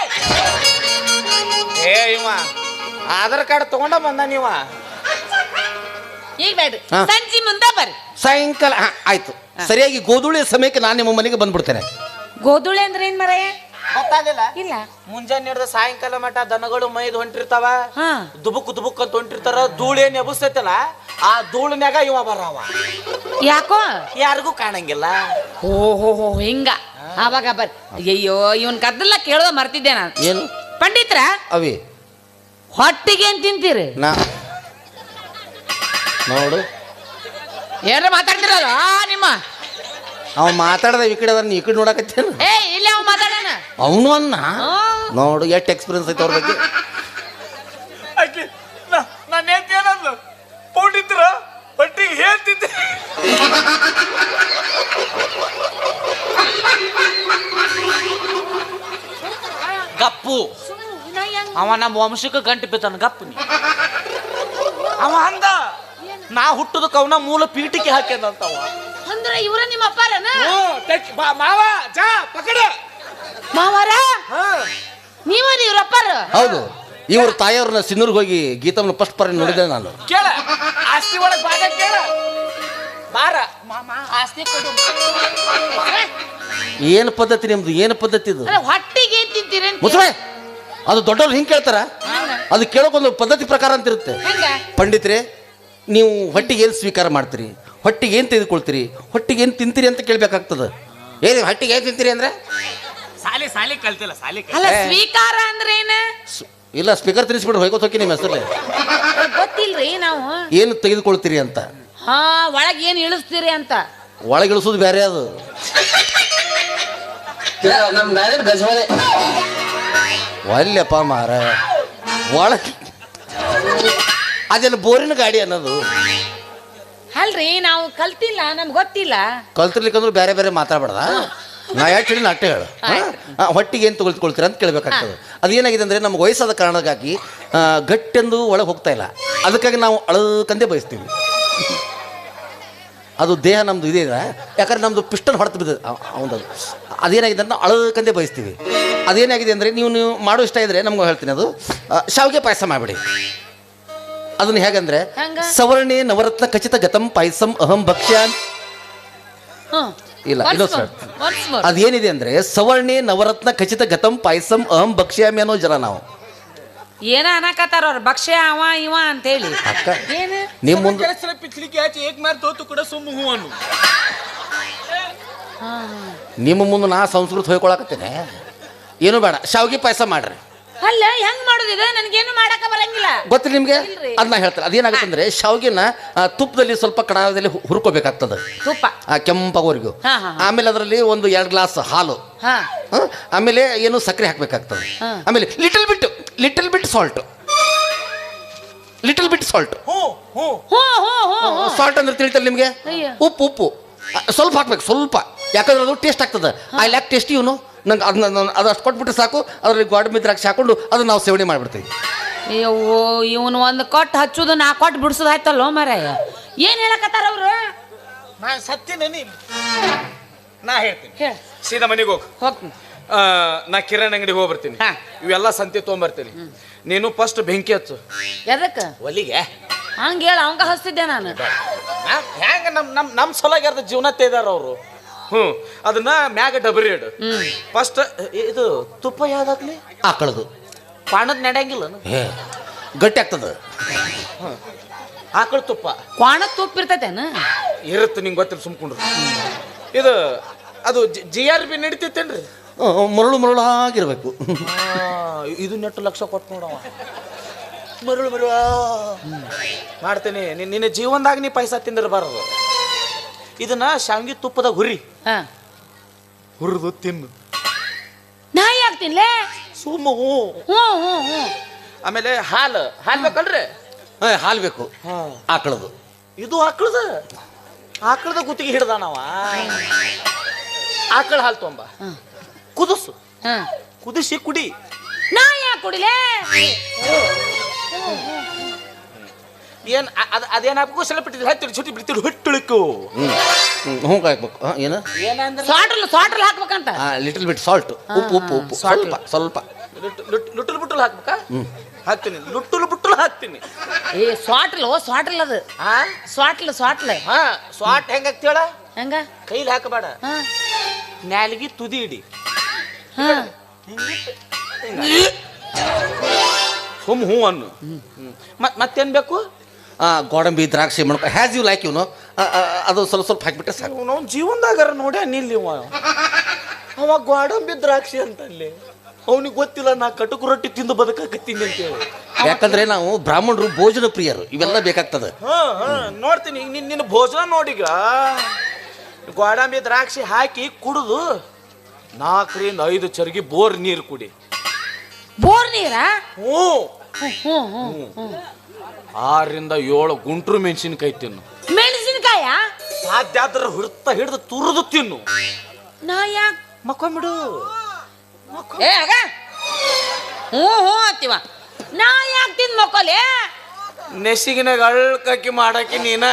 S2: ಏ ಇವ ಆಧಾರ್ ಕಾರ್ಡ್ ತಗೊಂಡ ಬಂದ ನೀವ.
S3: ಈಗ ಬೇಡ್ರಿ, ಸಂಜೆ ಮುಂದೆ ಬರ್ರಿ.
S1: ಸಾಯಂಕಾಲ ಆಯ್ತು. ಸರಿಯಾಗಿ ಗೋಧೂಳಿ ಸಮಯಕ್ಕೆ ನಾನು ನಿಮ್ಮ ಮನೆಗೆ ಬಂದ್ಬಿಡ್ತೇನೆ.
S3: ಗೋಧೂಳಿ ಅಂದ್ರೆ ಏನ್ ಮರಯ್ಯ?
S2: ಗೊತ್ತಾಗಲಿಲ್ಲ.
S3: ಇಲ್ಲ,
S2: ಮುಂಜಾನೆ ಹಿಡ್ದ ಸಾಯಂಕಾಲ ಮಟ ದನಗಳು ಮೈದ್ ಹೊಂಟಿರ್ತಾವ, ದುಬುಕ್ ದುಬುಕ್ ಅಂತ ಹೊಂಟಿರ್ತಾರ. ಧೂಳು ಏನ್ ಎಬ್ಸ್ತೈತಲ್ಲ, ಆ ಧೂಳಿನ್ಯಾಗ ಇವ ಬರವ.
S3: ಯಾಕೋ
S2: ಯಾರಿಗೂ ಕಾಣಂಗಿಲ್ಲ.
S3: ಓಹೋ ಹಿಂಗ. ಆವಾಗ ಬರ್ರಿ. ಅಯ್ಯೋ ಇವನ್ ಕದ್ದಲ್ಲ ಕೇಳೋದ ಮರ್ತಿದ್ದೆ ನಾನು.
S1: ಏನು
S3: ಪಂಡಿತ್ರ
S1: ಅವಿ
S3: ಹೊಟ್ಟಿಗೆ ಏನ್ ತಿಂತೀರಿ?
S1: ನೋಡು
S3: ಏನ್ರ ಮಾತಾಡ್ತಿರಲ್ಲ ನಿಮ್ಮ.
S1: ಅವ ಮಾತಾಡದ ಈ ಕಡೆ ನೀ ಈ ಕಡೆ ನೋಡಕತ್ತೇನು?
S3: ಏ ಇಲ್ಲ, ಅವ್ ಮಾತಾಡೋಣ.
S1: ಅವನು ಅನ್ನ ನೋಡು ಎಷ್ಟು ಎಕ್ಸ್ಪೀರಿಯನ್ಸ್ ಐತೆ ಅವ್ರ ಬಗ್ಗೆ.
S2: ನಾನು ಏನಂದ್ಲು ಪೌಂಡಿತ್ರ ಹೊಟ್ಟಿಗೆ ಹೇಳ್ತಿದ್ದೆ. ಗಪ್ಪು ಅವ ನಮ್ಮ ವಂಶಕ್ಕೆ ಗಂಟು ಬಿದ್ದಾನ. ಗಪ್ಪು ನೀ ಅವ ಅಂದ ನಾ ಹುಟ್ಟದಕ್ಕೆ ಅವನ ಮೂಲ ಪೀಠಿಕೆ ಹಾಕ್ಯದಂತವ.
S3: ಅಂದ್ರ ಇವ್ರ ನಿಮ್ಮ ಅಪ್ಪಾರನ?
S2: ಮಾವ ಜಾ ಪಕಡ
S3: ಮಾವಾರ ನೀವರಿ ಇವ್ರ ಅಪ್ಪಾರ?
S1: ಹೌದು, ಇವ್ರ ತಾಯಿಯವ್ರನ್ನ ಸಿನ್ನೂರ್ಗೆ ಹೋಗಿ ಗೀತಮ್ಮನ ಫಸ್ಟ್ ಪರ ನೋಡಿದೆ ನಾನು.
S2: ಕೇಳ ಆಸ್ತಿ ಒಳಗೆ ಭಾಗ ಕೇಳ ಬಾರ ಮಾಮ ಆಸ್ತಿ ಕೊಡು.
S1: ಏನು ಪದ್ಧತಿ ನಿಮ್ದು? ಏನು ಪದ್ಧತಿ ಇದು?
S3: ಹೊಟ್ಟಿಗೆ ಏನ್ ತಿಂತೀರಿ?
S1: ಮುಸ್ರೆ ಅದು ದೊಡ್ಡವ್ರು ಹಿಂಗೆ ಕೇಳ್ತಾರ, ಅದು ಕೇಳೋಕೊಂದು ಪದ್ಧತಿ ಪ್ರಕಾರ ಅಂತ ಇರುತ್ತೆ. ಪಂಡಿತ್ರೆ, ನೀವು ಹೊಟ್ಟಿಗೆ ಏನು ಸ್ವೀಕಾರ ಮಾಡ್ತೀರಿ, ಹೊಟ್ಟಿಗೆ ಏನು ತೆಗೆದುಕೊಳ್ತೀರಿ, ಹೊಟ್ಟಿಗೆ ಏನು ತಿಂತೀರಿ ಅಂತ ಕೇಳ್ಬೇಕಾಗ್ತದೆ. ಏನು ಹೊಟ್ಟಿಗೆ ಏನು ತಿಂತೀರಿ ಅಂದ್ರೆ
S2: ಸಾಲಿ ಕಲ್ತಿಲ್ಲ. ಸಾಲಿ
S3: ಅಲ್ಲ, ಸ್ವೀಕಾರ ಅಂದ್ರೆ ಏನ?
S1: ಇಲ್ಲ, ಸ್ಪೀಕರ್ ತಿನ್ನಿಸ್ಬಿಡ್ರಿ, ಹೋಯ್ಕೋತ ಹೋಗಿ ನಿಮ್ಮ ಹೆಸರಲ್ಲಿ.
S3: ಗೊತ್ತಿಲ್ರಿ ನಾವು.
S1: ಏನು ತೆಗೆದುಕೊಳ್ತೀರಿ ಅಂತ.
S3: ಹಾ, ಒಳಗ್ ಏನ್ ಇಳಿಸ್ತೀರಿ ಅಂತ.
S1: ಒಳಗಿಳಿಸೋದು ಬೇರೆ ಅದು. ಒಲ್ಲೆಪ್ಪ ಮಾರ, ಒಳಗೆ ಅದೆಲ್ಲ ಬೋರಿನ ಗಾಡಿ ಅನ್ನೋದು.
S3: ಅಲ್ರಿ ನಾವು ಕಲ್ತಿಲ್ಲ, ನಮ್ಗೆ ಗೊತ್ತಿಲ್ಲ.
S1: ಕಲ್ತಿರ್ಲಿಕ್ಕಂದ್ರೆ ಬೇರೆ ಬೇರೆ ಮಾತಾಡ್ಬೇಡ. ನಾ ಯಾಕೆ ಹೇಳಿ ಅಟ್ಟೆ ಹೇಳು. ಹೊಟ್ಟಿಗೆ ಏನು ತೊಗೊಳ್ತೀರ ಅಂತ ಕೇಳಬೇಕಾಗ್ತದೆ. ಅದೇನಾಗಿದೆ ಅಂದರೆ ನಮ್ಗೆ ವಯಸ್ಸಾದ ಕಾರಣಕ್ಕಾಗಿ ಗಟ್ಟೆಂದು ಒಳಗೆ ಹೋಗ್ತಾ ಇಲ್ಲ. ಅದಕ್ಕಾಗಿ ನಾವು ಅಳಕಂದೇ ಬಯಸ್ತೀವಿ. ಅದು ದೇಹ ನಮ್ಮದು ಇದೆ, ಯಾಕಂದ್ರೆ ನಮ್ಮದು ಪಿಸ್ಟನ್ ಹೊಡೆದು ಬಿದ್ದದು ಅವನದು. ಅದೇನಾಗಿದೆ ಅಂತ ಅಳಕಂದೇ ಬಯಸ್ತೀವಿ. ಅದೇನಾಗಿದೆ ಅಂದರೆ ನೀವು ಮಾಡೋ ಇಷ್ಟ ಇದ್ದರೆ ನಮ್ಗೆ ಹೇಳ್ತೀನಿ, ಅದು ಶಾವಿಗೆ ಪಾಯಸ ಮಾಡಿಬಿಡಿ. ಅದನ್ನ ಹೇಗಂದ್ರೆ ಸವರ್ಣೆ ನವರತ್ನ ಖಚಿತ ಗತಂ ಪಾಯಸಂ ಅಹಂ ಭಕ್ಷ್ಯಾನ್. ಇಲ್ಲ, ಇನ್ನೊಂದು ಅದೇನಿದೆ ಅಂದ್ರೆ ಸವರ್ಣೆ ನವರತ್ನ ಖಚಿತ ಗತಂ ಪಾಯಸಂ ಅಹಂ ಭಕ್ಷ್ಯಾಮಿ ಅನ್ನೋ ಜನ ನಾವು.
S3: ಏನ ಅನ್ನಕತ್ತಾರ ಅವ್ರ ಭಕ್ಷ್ಯ ಅವ ಇವ ಅಂತ ಹೇಳಿ.
S1: ಅಕ್ಕ ನಿಮ್ಮ ಮುಂದೆ ನಿಮ್ಮ ಮುಂದೆ ನಾ ಸಂಸ್ಕೃತ ಹೋಯ್ಕೊಳಕತ್ತೇನೆ. ಏನು ಬೇಡ, ಶಾವಿಗೆ ಪಾಯಸ ಮಾಡ್ರಿ.
S3: ಅಲ್ಲ, ಹೆಂಗ್ ಮಾಡೋದಿದೆ? ನನಗೇನು ಮಾಡಕ ಬರಂಗಿಲ್ಲ.
S1: ಗೊತ್ತಿಲ್ಲ ನಿಮ್ಗೆ? ಅದನ್ನ ಹೇಳ್ತಾರೆ. ಅದೇನಾಗುತ್ತೆ ಅಂದ್ರೆ ಶಾವಿಗೆನ ತುಪ್ಪದಲ್ಲಿ ಸ್ವಲ್ಪ ಕಡಾಯದಲ್ಲಿ ಹುರ್ಕೋಬೇಕಾಗ್ತದೆ,
S3: ತುಪ್ಪ
S1: ಕೆಂಪಗೋರಿಗೂ. ಆಮೇಲೆ ಅದರಲ್ಲಿ ಒಂದು 2 ಗ್ಲಾಸ್ ಹಾಲು, ಆಮೇಲೆ ಏನು ಸಕ್ಕರೆ ಹಾಕ್ಬೇಕಾಗ್ತದೆ. ಆಮೇಲೆ ಲಿಟಲ್ ಬಿಟ್ ಸಾಲ್ಟ್. ಸಾಲ್ಟ್ ಅಂದ್ರೆ ತಿಳಿತಲ್ಲ ನಿಮ್ಗೆ? ಉಪ್ಪು ಸ್ವಲ್ಪ ಹಾಕ್ಬೇಕು, ಸ್ವಲ್ಪ. ಯಾಕಂದ್ರೆ ಅದು ಟೇಸ್ಟ್ ಆಗ್ತದೆ. I lack taste. ಇವನು ನಂಗೆ ಅದು ಅಷ್ಟು ಕೊಟ್ಬಿಟ್ರೆ ಸಾಕು. ಅದ್ರಲ್ಲಿ ಗೋಡಂಬಿ ದ್ರಾಕ್ಷಿ ಹಾಕೊಂಡು ಅದನ್ನ ನಾವು ಸೇವನೆ ಮಾಡಿಬಿಡ್ತೀವಿ.
S3: ಅಯ್ಯೋ, ಇವನು ಒಂದು ಕೊಟ್ಟು ಹಚ್ಚೋದು 4 ಕೊಟ್ಟು ಬಿಡಿಸೋದು ಆಯ್ತಲ್ಲ ಮಾರಾಯ. ಏನ್ ಹೇಳಕತ್ತಾರ ಅವ್ರು?
S2: ನಾ ಸತ್ಯನ ನಾ ಹೇಳ್ತೀನಿ. ಸೀದಾ ಮನೆಗೆ
S3: ಹೋಗ್ತೀನಿ.
S2: ನಾ ಕಿರಾಣಿ ಅಂಗಡಿಗೆ ಹೋಗ್ಬರ್ತೀನಿ. ಇವೆಲ್ಲ ಸಂತೆ ತೊಗೊಂಬರ್ತೀನಿ. ನೀನು ಫಸ್ಟ್ ಬೆಂಕಿ ಹಚ್ಚು.
S3: ಎದಕ್ಕ?
S2: ಒಲಿಗೆ.
S3: ಹಂಗ ಹೇಳ, ಅವಂಗ ಹಚ್ತಿದ್ದೆ ನಾನು.
S2: ಹೆಂಗ ನಮ್ಮ ಸೊಲಾಗ್ಯಾರ್ದ ಜೀವನ ತೆಯ್ದಾರ ಅವರು. ಅದನ್ನ ಮ್ಯಾಗ ಡಬರಿ ಇಡು. ಫಸ್ಟ್ ಇದು ತುಪ್ಪ ಯಾವ್ದಾಗ್ಲಿ
S1: ಆಕಳದು
S2: ಪಾಣದ ನಡೆಯಂಗಿಲ್ಲ,
S1: ಗಟ್ಟಿ ಆಗ್ತದ.
S2: ಆಕಳ ತುಪ್ಪ
S3: ಕ್ವಾಣದ ತುಪ್ಪ ಇರ್ತೈತೇನ?
S2: ಇರುತ್ತೆ, ನಿಂಗೆ ಗೊತ್ತಿಲ್ಲ, ಸುಮ್ಕೊಂಡ್ರು. ಇದು ಅದು GRB ನಡಿತೈತೇನ್ರಿ?
S1: ಮರಳು ಮರಳಾಗಿರ್ಬೇಕು.
S2: ಇದು ನೆಟ್ಟು ಲಕ್ಷ ಕೊಟ್ಟು ನೋಡವ ಮರಳು ಮರಳು ಮಾಡ್ತೇನೆ. ನಿನ್ನ ಜೀವನದಾಗ ನೀ ಪೈಸಾ ತಿಂದಿರಬಾರದು. ಇದನ್ನ ಶಾವಿಗೆ ತುಪ್ಪದಾಗ ಹುರಿದು ತಿನ್ನು.
S3: ನಾ ಯಾಕೆ ತಿನ್ಲೆ?
S2: ಸುಮ್ಮ
S3: ಹ್ಞೂ.
S2: ಆಮೇಲೆ ಹಾಲು ಬೇಕಲ್ರಿ?
S1: ಹಾಲು ಬೇಕು, ಆಕಳದು.
S2: ಇದು ಆಕಳದ ಗುತ್ತಿಗೆ ಹಿಡ್ದ ನಾವ. ಆಕಳ ಹಾಲು ತೊಂಬ, ಕುದಿಸು, ಕುದಿಸಿ ಕುಡಿ.
S3: ನಾ ಯಾಕೆ ಕುಡಿಲೆ?
S2: ಏನ್ ಅದೇನಾಗಬೇಕು? ಸ್ವಲ್ಪ ಹತ್ತಿರ ಚುಟಿ ಬಿಡ್ತಿರು ಹೊಟ್ಟುಳಿಕು.
S1: ಹ್ಞೂ ಹಾಕ್ಬೇಕು. ಏನು
S2: ಏನಂದ್ರೆ
S3: ಸಾಟ್ರಲ್ಲಿ ಹಾಕ್ಬೇಕಂತ.
S1: ಲಿಟಲ್ ಬಿಟ್ ಸಾಲ್ಟ್, ಉಪ್ಪು ಸ್ವಲ್ಪ
S2: ಲುಟ್ಟುಲು ಬುಟ್ಟುಲು ಹಾಕ್ಬೇಕಾ? ಹಾಕ್ತೀನಿ, ಲುಟ್ಟುಲು ಬುಟ್ಟುಲು ಹಾಕ್ತೀನಿ.
S3: ಸ್ವಾಟ್ಲ್ ಅದು. ಸ್ವಾಟ್ಲ್
S2: ಸ್ವಾಟ್ ಹೆಂಗ ಹಾಕ್ತೇಳ?
S3: ಹೆಂಗ?
S2: ಕೈಲಿ ಹಾಕಬೇಡ, ನ್ಯಾಲಿಗೆ ತುದಿ ಇಡಿ. ಸುಮ್ ಹೂ ಅನ್ನು. ಮತ್ತೇನ್ ಬೇಕು?
S1: ಗೋಡಂಬಿ, ದ್ರಾಕ್ಷಿ, ಮಣಕ, ಹ್ಯಾಸ್ ಯು ಲೈಕ್ ಇವನು. ಅದು ಸ್ವಲ್ಪ ಹಾಕಿಬಿಟ್ಟೆ ಸಾಕು.
S2: ನಾವು ಜೀವನದಾಗಾರ ನೋಡ್ಯ ನಿಲ್ಲಿ ಅವ ಗೋಡಂಬಿ ದ್ರಾಕ್ಷಿ ಅಂತಲ್ಲಿ. ಅವನಿಗೆ ಗೊತ್ತಿಲ್ಲ ನಾ ಕಟುಕು ರೊಟ್ಟಿ ತಿಂದು ಬದುಕಾಕತ್ತೀನಿ ಅಂತೇಳಿ.
S1: ಯಾಕಂದ್ರೆ ನಾವು ಬ್ರಾಹ್ಮಣರು ಭೋಜನ ಪ್ರಿಯರು, ಇವೆಲ್ಲ ಬೇಕಾಗ್ತದೆ.
S2: ನೋಡ್ತೀನಿ ಈಗ ನಿನ್ನ ಭೋಜನ ನೋಡಿಗ ಗೋಡಂಬಿ ದ್ರಾಕ್ಷಿ ಹಾಕಿ ಕುಡಿದು 4 ರಿಂದ 5 ಚರ್ಗಿ ಬೋರ್ ನೀರು ಕುಡಿ.
S3: ಬೋರ್ ನೀರಾ?
S2: ಹ್ಞೂ. 6 ರಿಂದ 7 ಗುಂಟ್ರು ಮೆಣಸಿನಕಾಯಿ ತಿನ್ನು.
S3: ಮೆಣಸಿನಕಾಯ
S2: ಸಾಧ್ಯ ಆದ್ರೆ ಹಿಡಿದು ತುರಿದು ತಿನ್ನು.
S3: ನಾ ಯಾಕೆ
S2: ಮಕ್ಕೊಂಬಿಡು.
S3: ಹ್ಞೂ ಅಂತೀವ. ನಾ ಯಾಕೆ ತಿಂದು ಮಕ್ಕೋಲೆ?
S2: ನೆಸಿಗಿನಾಗ ಅಳ್ಕಕ್ಕಿ ಮಾಡಾಕಿ ನೀನ.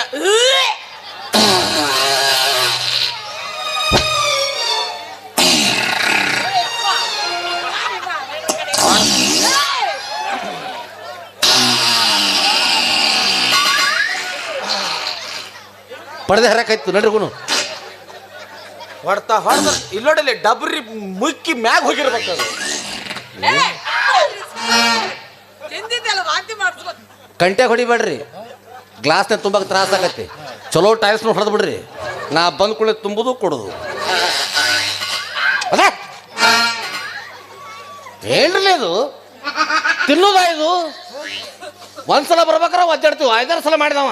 S1: ಪಡೆದೆ ಹರಕಾಯ್ತು ನಡ್ರಿಗುನು.
S2: ಹೊಡ್ತಾ ಇಲ್ಲೋಡಲ್ಲಿ ಡಬ್ರಿ ಮುಕ್ಕಿ ಮ್ಯಾಗ ಹೋಗಿರ್ಬೇಕದು.
S1: ಕಂಟ್ಯಾಗ ಹೊಡಿಬೇಡ್ರಿ, ಗ್ಲಾಸ್ನ ತುಂಬಾಕ ತ್ರಾಸ ಆಗತ್ತೆ. ಚಲೋ ಟೈಲ್ಸ್ನ ಹೊಡೆದು ಬಿಡ್ರಿ. ನಾ ಬಂದ್ ಕೂಡಲೇ ತುಂಬುದು ಕೊಡೋದು. ಅದ ಏನ್ರಿ ಅದು ತಿನ್ನೋದ? ಇದು ಒಂದ್ಸಲ ಬರ್ಬೇಕಾರ ಒದ್ದಾಡ್ತೀವಿ, 5-6 ಸಲ ಮಾಡಿದವ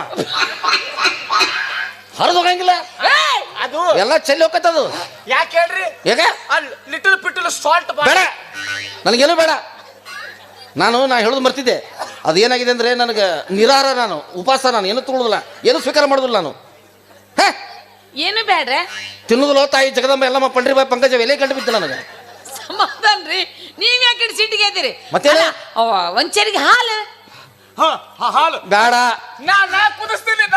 S1: ಹರಿದು ಹೋಗಂಗಿಲ್ಲ.
S2: ಅದು
S1: ಎಲ್ಲ ಚೆಲ್ಲಿ ಹೋಗತ್ತದು.
S2: ಯಾಕೆ ಹೇಳ್ರಿ?
S1: ಹೇಗ
S2: ಲಿಟಲ್ ಪಿಟಲ್ ಸಾಲ್ಟ್
S1: ಬೇಡ, ನನಗೇನು ಬೇಡ. ನಾ ಹೇಳೋದು ಮರ್ತಿದ್ದೆ. ಅದು ಏನಾಗಿದೆ ಅಂದರೆ ನನಗೆ ನಿರಾಹಾರ, ನಾನು ಉಪವಾಸ, ನಾನು ಏನು ತಗೊಳ್ಳೋದಿಲ್ಲ, ಏನು ಸ್ವೀಕಾರ ಮಾಡೋದಿಲ್ಲ ನಾನು.
S3: ಏನು ಬೇಡ್ರೆ
S1: ತಿನ್ನೋದಿಲ್ಲ. ತಾಯಿ ಜಗದಂಬ ಎಲ್ಲಮ್ಮ ಪಂಡ್ರಿ ಬಾಯಿ ಪಂಕಜ ಎಲೆ ಕಂಡು ಬಿದ್ದು ನನಗೆ.
S3: ಸಮಾಧಾನ ರೀ, ನೀವ್ ಯಾಕೆ ಸಿಟ್ಟಿಗೆ ಇದ್ದೀರಿ?
S1: ಮತ್ತೇನು?
S3: ಒಂಚರಿಗೆ ಹಾಲು.
S2: ಹಾಲು
S1: ಬೇಡ,
S2: ನಾ ಕುದಿಸ್ತೀನಿ.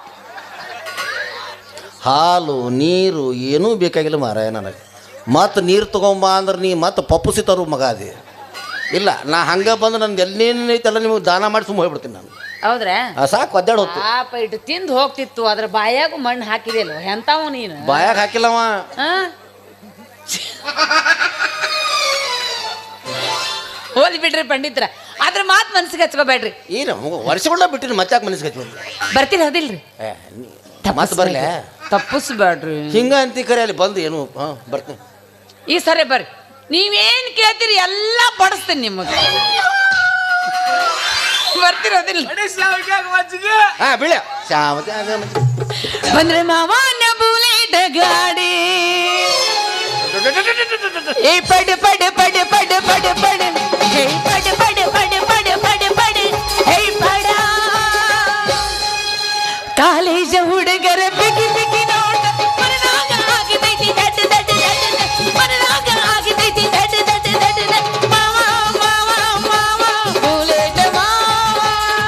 S1: ಹಾಲು ನೀರು ಏನೂ ಬೇಕಾಗಿಲ್ಲ ಮಾರಾಯ ನನಗೆ. ಮತ್ತು ನೀರು ತೊಗೊಂಬ ಅಂದ್ರೆ ನೀ ಮತ್ತೆ ಪಪ್ಪುಸಿ ತರು ಮಗ ಅದೇ. ಇಲ್ಲ, ನಾ ಹಂಗೆ ಬಂದು ನಂದು ಎಲ್ಲೇನು ಐತೆಲ್ಲ ನಿಮಗೆ ದಾನ ಮಾಡಿ ಸುಮ್ಮ ಹೋಗ್ಬಿಡ್ತೀನಿ ನಾನು.
S3: ಹೌದ್ರಾ?
S1: ಸಾಕು ಒದ್ದಾಡ ಹೊತ್ತು.
S3: ಪಾಪ ಇಟ್ಟು ತಿಂದು ಹೋಗ್ತಿತ್ತು, ಅದ್ರ ಬಾಯಾಗ ಮಣ್ಣು ಹಾಕಿದೆಯಲ್ಲ ಎಂತಾವ ನೀನು?
S1: ಬಾಯಾಗ ಹಾಕಿಲ್ಲವ.
S3: ಹೋಲಿ ಬಿಡ್ರಿ ಪಂಡಿತ್ರ, ಅದ್ರ ಮಾತು ಮನ್ಸಿಗೆ ಹಚ್ಕೋಬೇಡ್ರಿ.
S1: ಏನು ವರ್ಷಗಳ ಬಿಟ್ಟಿರಿ, ಮತ್ತೆ ಮನಸ್ಸಿಗೆ ಹಚ್ಚಿ
S3: ಬರ್ತೀರಿ ಹೌದಿಲ್ರಿ?
S1: ಮತ್ತೆ ಬರ್ಲಿ,
S3: ತಪ್ಪಿಸ್ಬೇಡ್ರಿ.
S1: ಹಿಂಗ ಅಂತಿ ಕರೆ ಅಲ್ಲಿ ಬಂದು ಏನು ಬರ್ತೀನಿ.
S3: ಈ ಸರಿ ಬರ್ರಿ, ನೀವೇನ್ ಕೇಳ್ತೀರಿ ಎಲ್ಲ ಬಡಿಸ್ತೀನಿ ನಿಮಗೆ. ಬರ್ತಿರೋದಿಲ್ಲ
S1: ಬೀಳ
S3: ಬಂದ್ರೆ ಮಾವನ ಬುಲೆಟ್ ಗಾಡಿ ಏ ಪಡ ಪಡ ಪಡ ಪಡ ಪಡ ಪಡ ಹೇ ಪಡ ಪಡ ಪಡ ಪಡ ಪಡ ಪಡ ಹೇ ಪಡ ಕಾಲೇಜ ಹುಡುಗರ ಬಿಗಿ ಬಿಗಿ ನೋಟ ಮನದಾಗ ಆಗಿದೈತಿ ದಡ್ಡ ದಡ್ಡ ದಡ್ಡ ಮನದಾಗ ಆಗಿದೈತಿ ದಡ್ಡ ದಡ್ಡ ದಡ್ಡ ಮಾವ ಮಾವ ಮಾವ ಬುಲೆಟ್ ಮಾವ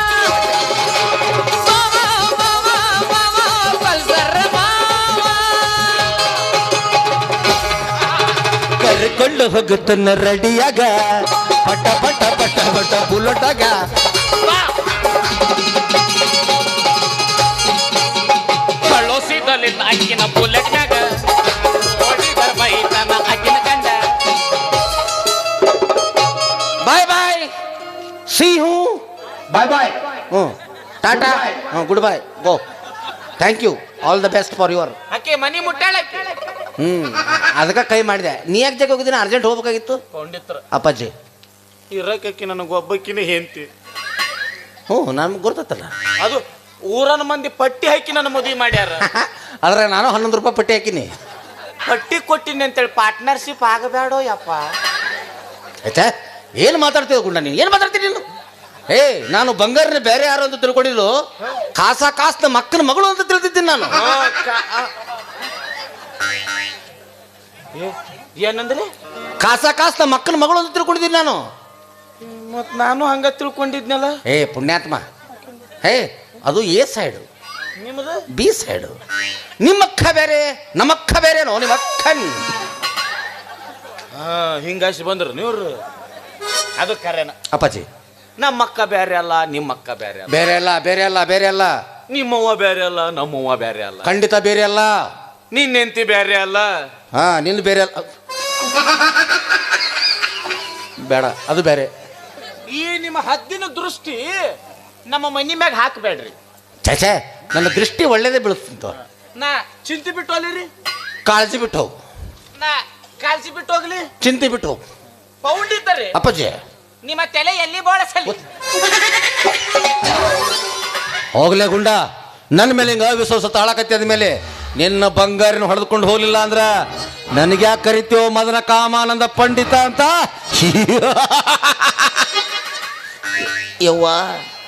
S3: ಮಾವ ಮಾವ ಮಾವ ಪಲ್ಸರ್ ಮಾವ
S1: ಕರ್ಕೊಂಡು ಹೋಗುತ್ತನ್ನ ರೆಡಿಯಾಗ ಪಟ ಪಟ ಪಟ ಪಟ ಬುಲೆಟಾಗ
S2: ಕಳೋಸಿದಲ್ಲಿ ಅಕ್ಕಿನ ಬುಲೆಟ್ನಾಗ ಓಡಿ ಬರ್ಬೈತನ ಅಕ್ಕಿನ ಕಂಡ.
S1: Bye bye, see you, bye bye, tata, good bye, go, thank you, all the best for your.
S2: ಆಕೆ ಮನಿ ಮುಟ್ಟಾಳಕ್ಕೆ
S1: ಅದಕ್ಕೆ ಕೈ ಮಾಡಿದೆ. ನೀ ಯಾಕೆ ಜಾಗ ಹೋಗಿದ್ದೀನಿ? ಅರ್ಜೆಂಟ್ ಹೋಗ್ಬೇಕಾಗಿತ್ತು
S2: ಪಂಡಿತ್ರ
S1: ಅಪ್ಪಾಜಿ.
S2: ಇರಕಿ ನನಗೆ ಒಬ್ಬಕ್ಕಿನ ಹೆಂಡ್ತಿ.
S1: ನಮ್ಗೆ ಗೊತ್ತತ್ತಲ್ಲ.
S2: ಅದು ಊರನ ಮಂದಿ ಪಟ್ಟಿ ಹಾಕಿ ನನ್ನ ಮದುವೆ ಮಾಡ್ಯಾರ.
S1: ಆದ್ರೆ ನಾನು 11 ರೂಪಾಯಿ ಪಟ್ಟಿ ಹಾಕಿನಿ.
S2: ಪಟ್ಟಿ ಕೊಟ್ಟಿನಿ ಅಂತೇಳಿ ಪಾರ್ಟ್ನರ್ಶಿಪ್ ಆಗಬೇಡೋ ಯಪ್ಪ.
S1: ಆಯ್ತಾ? ಏನು ಮಾತಾಡ್ತೀವಿ ಗುಂಡ ನೀನು? ಏನು ಮಾತಾಡ್ತೀನಿ ನೀನು? ನಾನು ಬಂಗಾರನ ಬೇರೆ ಯಾರು ಅಂತ ತಿಳ್ಕೊಂಡಿದ್ದು, ಕಾಸ್ನ ಮಕ್ಕನ ಮಗಳು ಅಂತ ತಿಳಿದಿದ್ದೀನಿ ನಾನು.
S2: ಏನಂದ್ರೆ
S1: ಕಾಸ್ನ ಮಕ್ಕನ ಮಗಳು ಅಂತ ತಿಳ್ಕೊಂಡಿದ್ದೀನಿ ನಾನು.
S2: ಮತ್ ನಾನು ಹಂಗ ತಿಳ್ಕೊಂಡಿದ್ನಲ್ಲ.
S1: ಪುಣ್ಯಾತ್ಮ, ಅದು ಎ ಸೈಡು,
S2: ನಿಮ್ಮದು
S1: ಬಿ ಸೈಡು. ನಿಮ್ಮಕ್ಕ ಬೇರೆ ನಮ್ಮಕ್ಕ ಬೇರೆನೋ? ನಿಮ್ಮ ಅಕ್ಕನ್
S2: ಹಿಂಗಾಸಿ ಬಂದ್ರು ನೀವ್ರು. ಅದು ಕರೆನ
S1: ಅಪ್ಪಾಜಿ.
S2: ನಮ್ಮಕ್ಕ ಬೇರೆ ಅಲ್ಲ, ನಿಮ್ಮಕ್ಕ ಬೇರೆ ಅಲ್ಲ.
S1: ಬೇರೆ ಅಲ್ಲ, ಬೇರೆ ಅಲ್ಲ, ಬೇರೆ ಅಲ್ಲ.
S2: ನಿಮ್ಮವ್ವ ಬೇರೆ ಅಲ್ಲ, ನಮ್ಮವ್ವ ಬೇರೆ ಅಲ್ಲ.
S1: ಖಂಡಿತ ಬೇರೆ ಅಲ್ಲ.
S2: ನಿನ್ನ ಹೆಂಡತಿ ಬೇರೆ ಅಲ್ಲ.
S1: ನಿನ್ನ ಬೇರೆ ಅಲ್ಲ. ಬೇಡ, ಅದು ಬೇರೆ.
S2: ಈ ನಿಮ್ಮ ಹದ್ದಿನ ದೃಷ್ಟಿ ನಮ್ಮ ಮನಿ ಮ್ಯಾಗ ಹಾಕಬೇಡ್ರಿ.
S1: ಛೇ, ನನ್ನ ದೃಷ್ಟಿ ಒಳ್ಳೇದೇ ಬೀಳುತ್ತಂತ.
S2: ನಾ ಚಿಂತೆ ಬಿಟ್ಟು ಹೋಗ್ಲಿ.
S1: ಕಾಳಜಿ ಬಿಟ್ಟು ಹೋಗು.
S2: ನಾ ಕಾಳಜಿ ಬಿಟ್ಟು ಹೋಗ್ಲಿ.
S1: ಚಿಂತೆ ಬಿಟ್ಟು ಹೋಗು.
S2: ಪೌಂಡ್ ಇದ್ದಾರೆ
S1: ಅಪ್ಪಾಜಿ.
S2: ನಿಮ್ಮ ತಲೆ ಎಲ್ಲಿ ಬೋಳಸಲಿ.
S1: ಹೋಗ್ಲೇ ಗುಂಡ, ನನ್ನ ಮೇಲೆ ಹಿಂಗ ವಿಶ್ವಾಸ ತಾಳಕತ್ತಿ. ಆದ್ಮೇಲೆ ನಿನ್ನ ಬಂಗಾರಿನ ಹೊಡೆದುಕೊಂಡು ಹೋಗ್ಲಿಲ್ಲ ಅಂದ್ರ ನನಗೆ ಯಾಕೆ ಕರಿತೀವೋ ಮದನ ಕಾಮಾನಂದ ಪಂಡಿತ ಅಂತ? ಯವ್ವ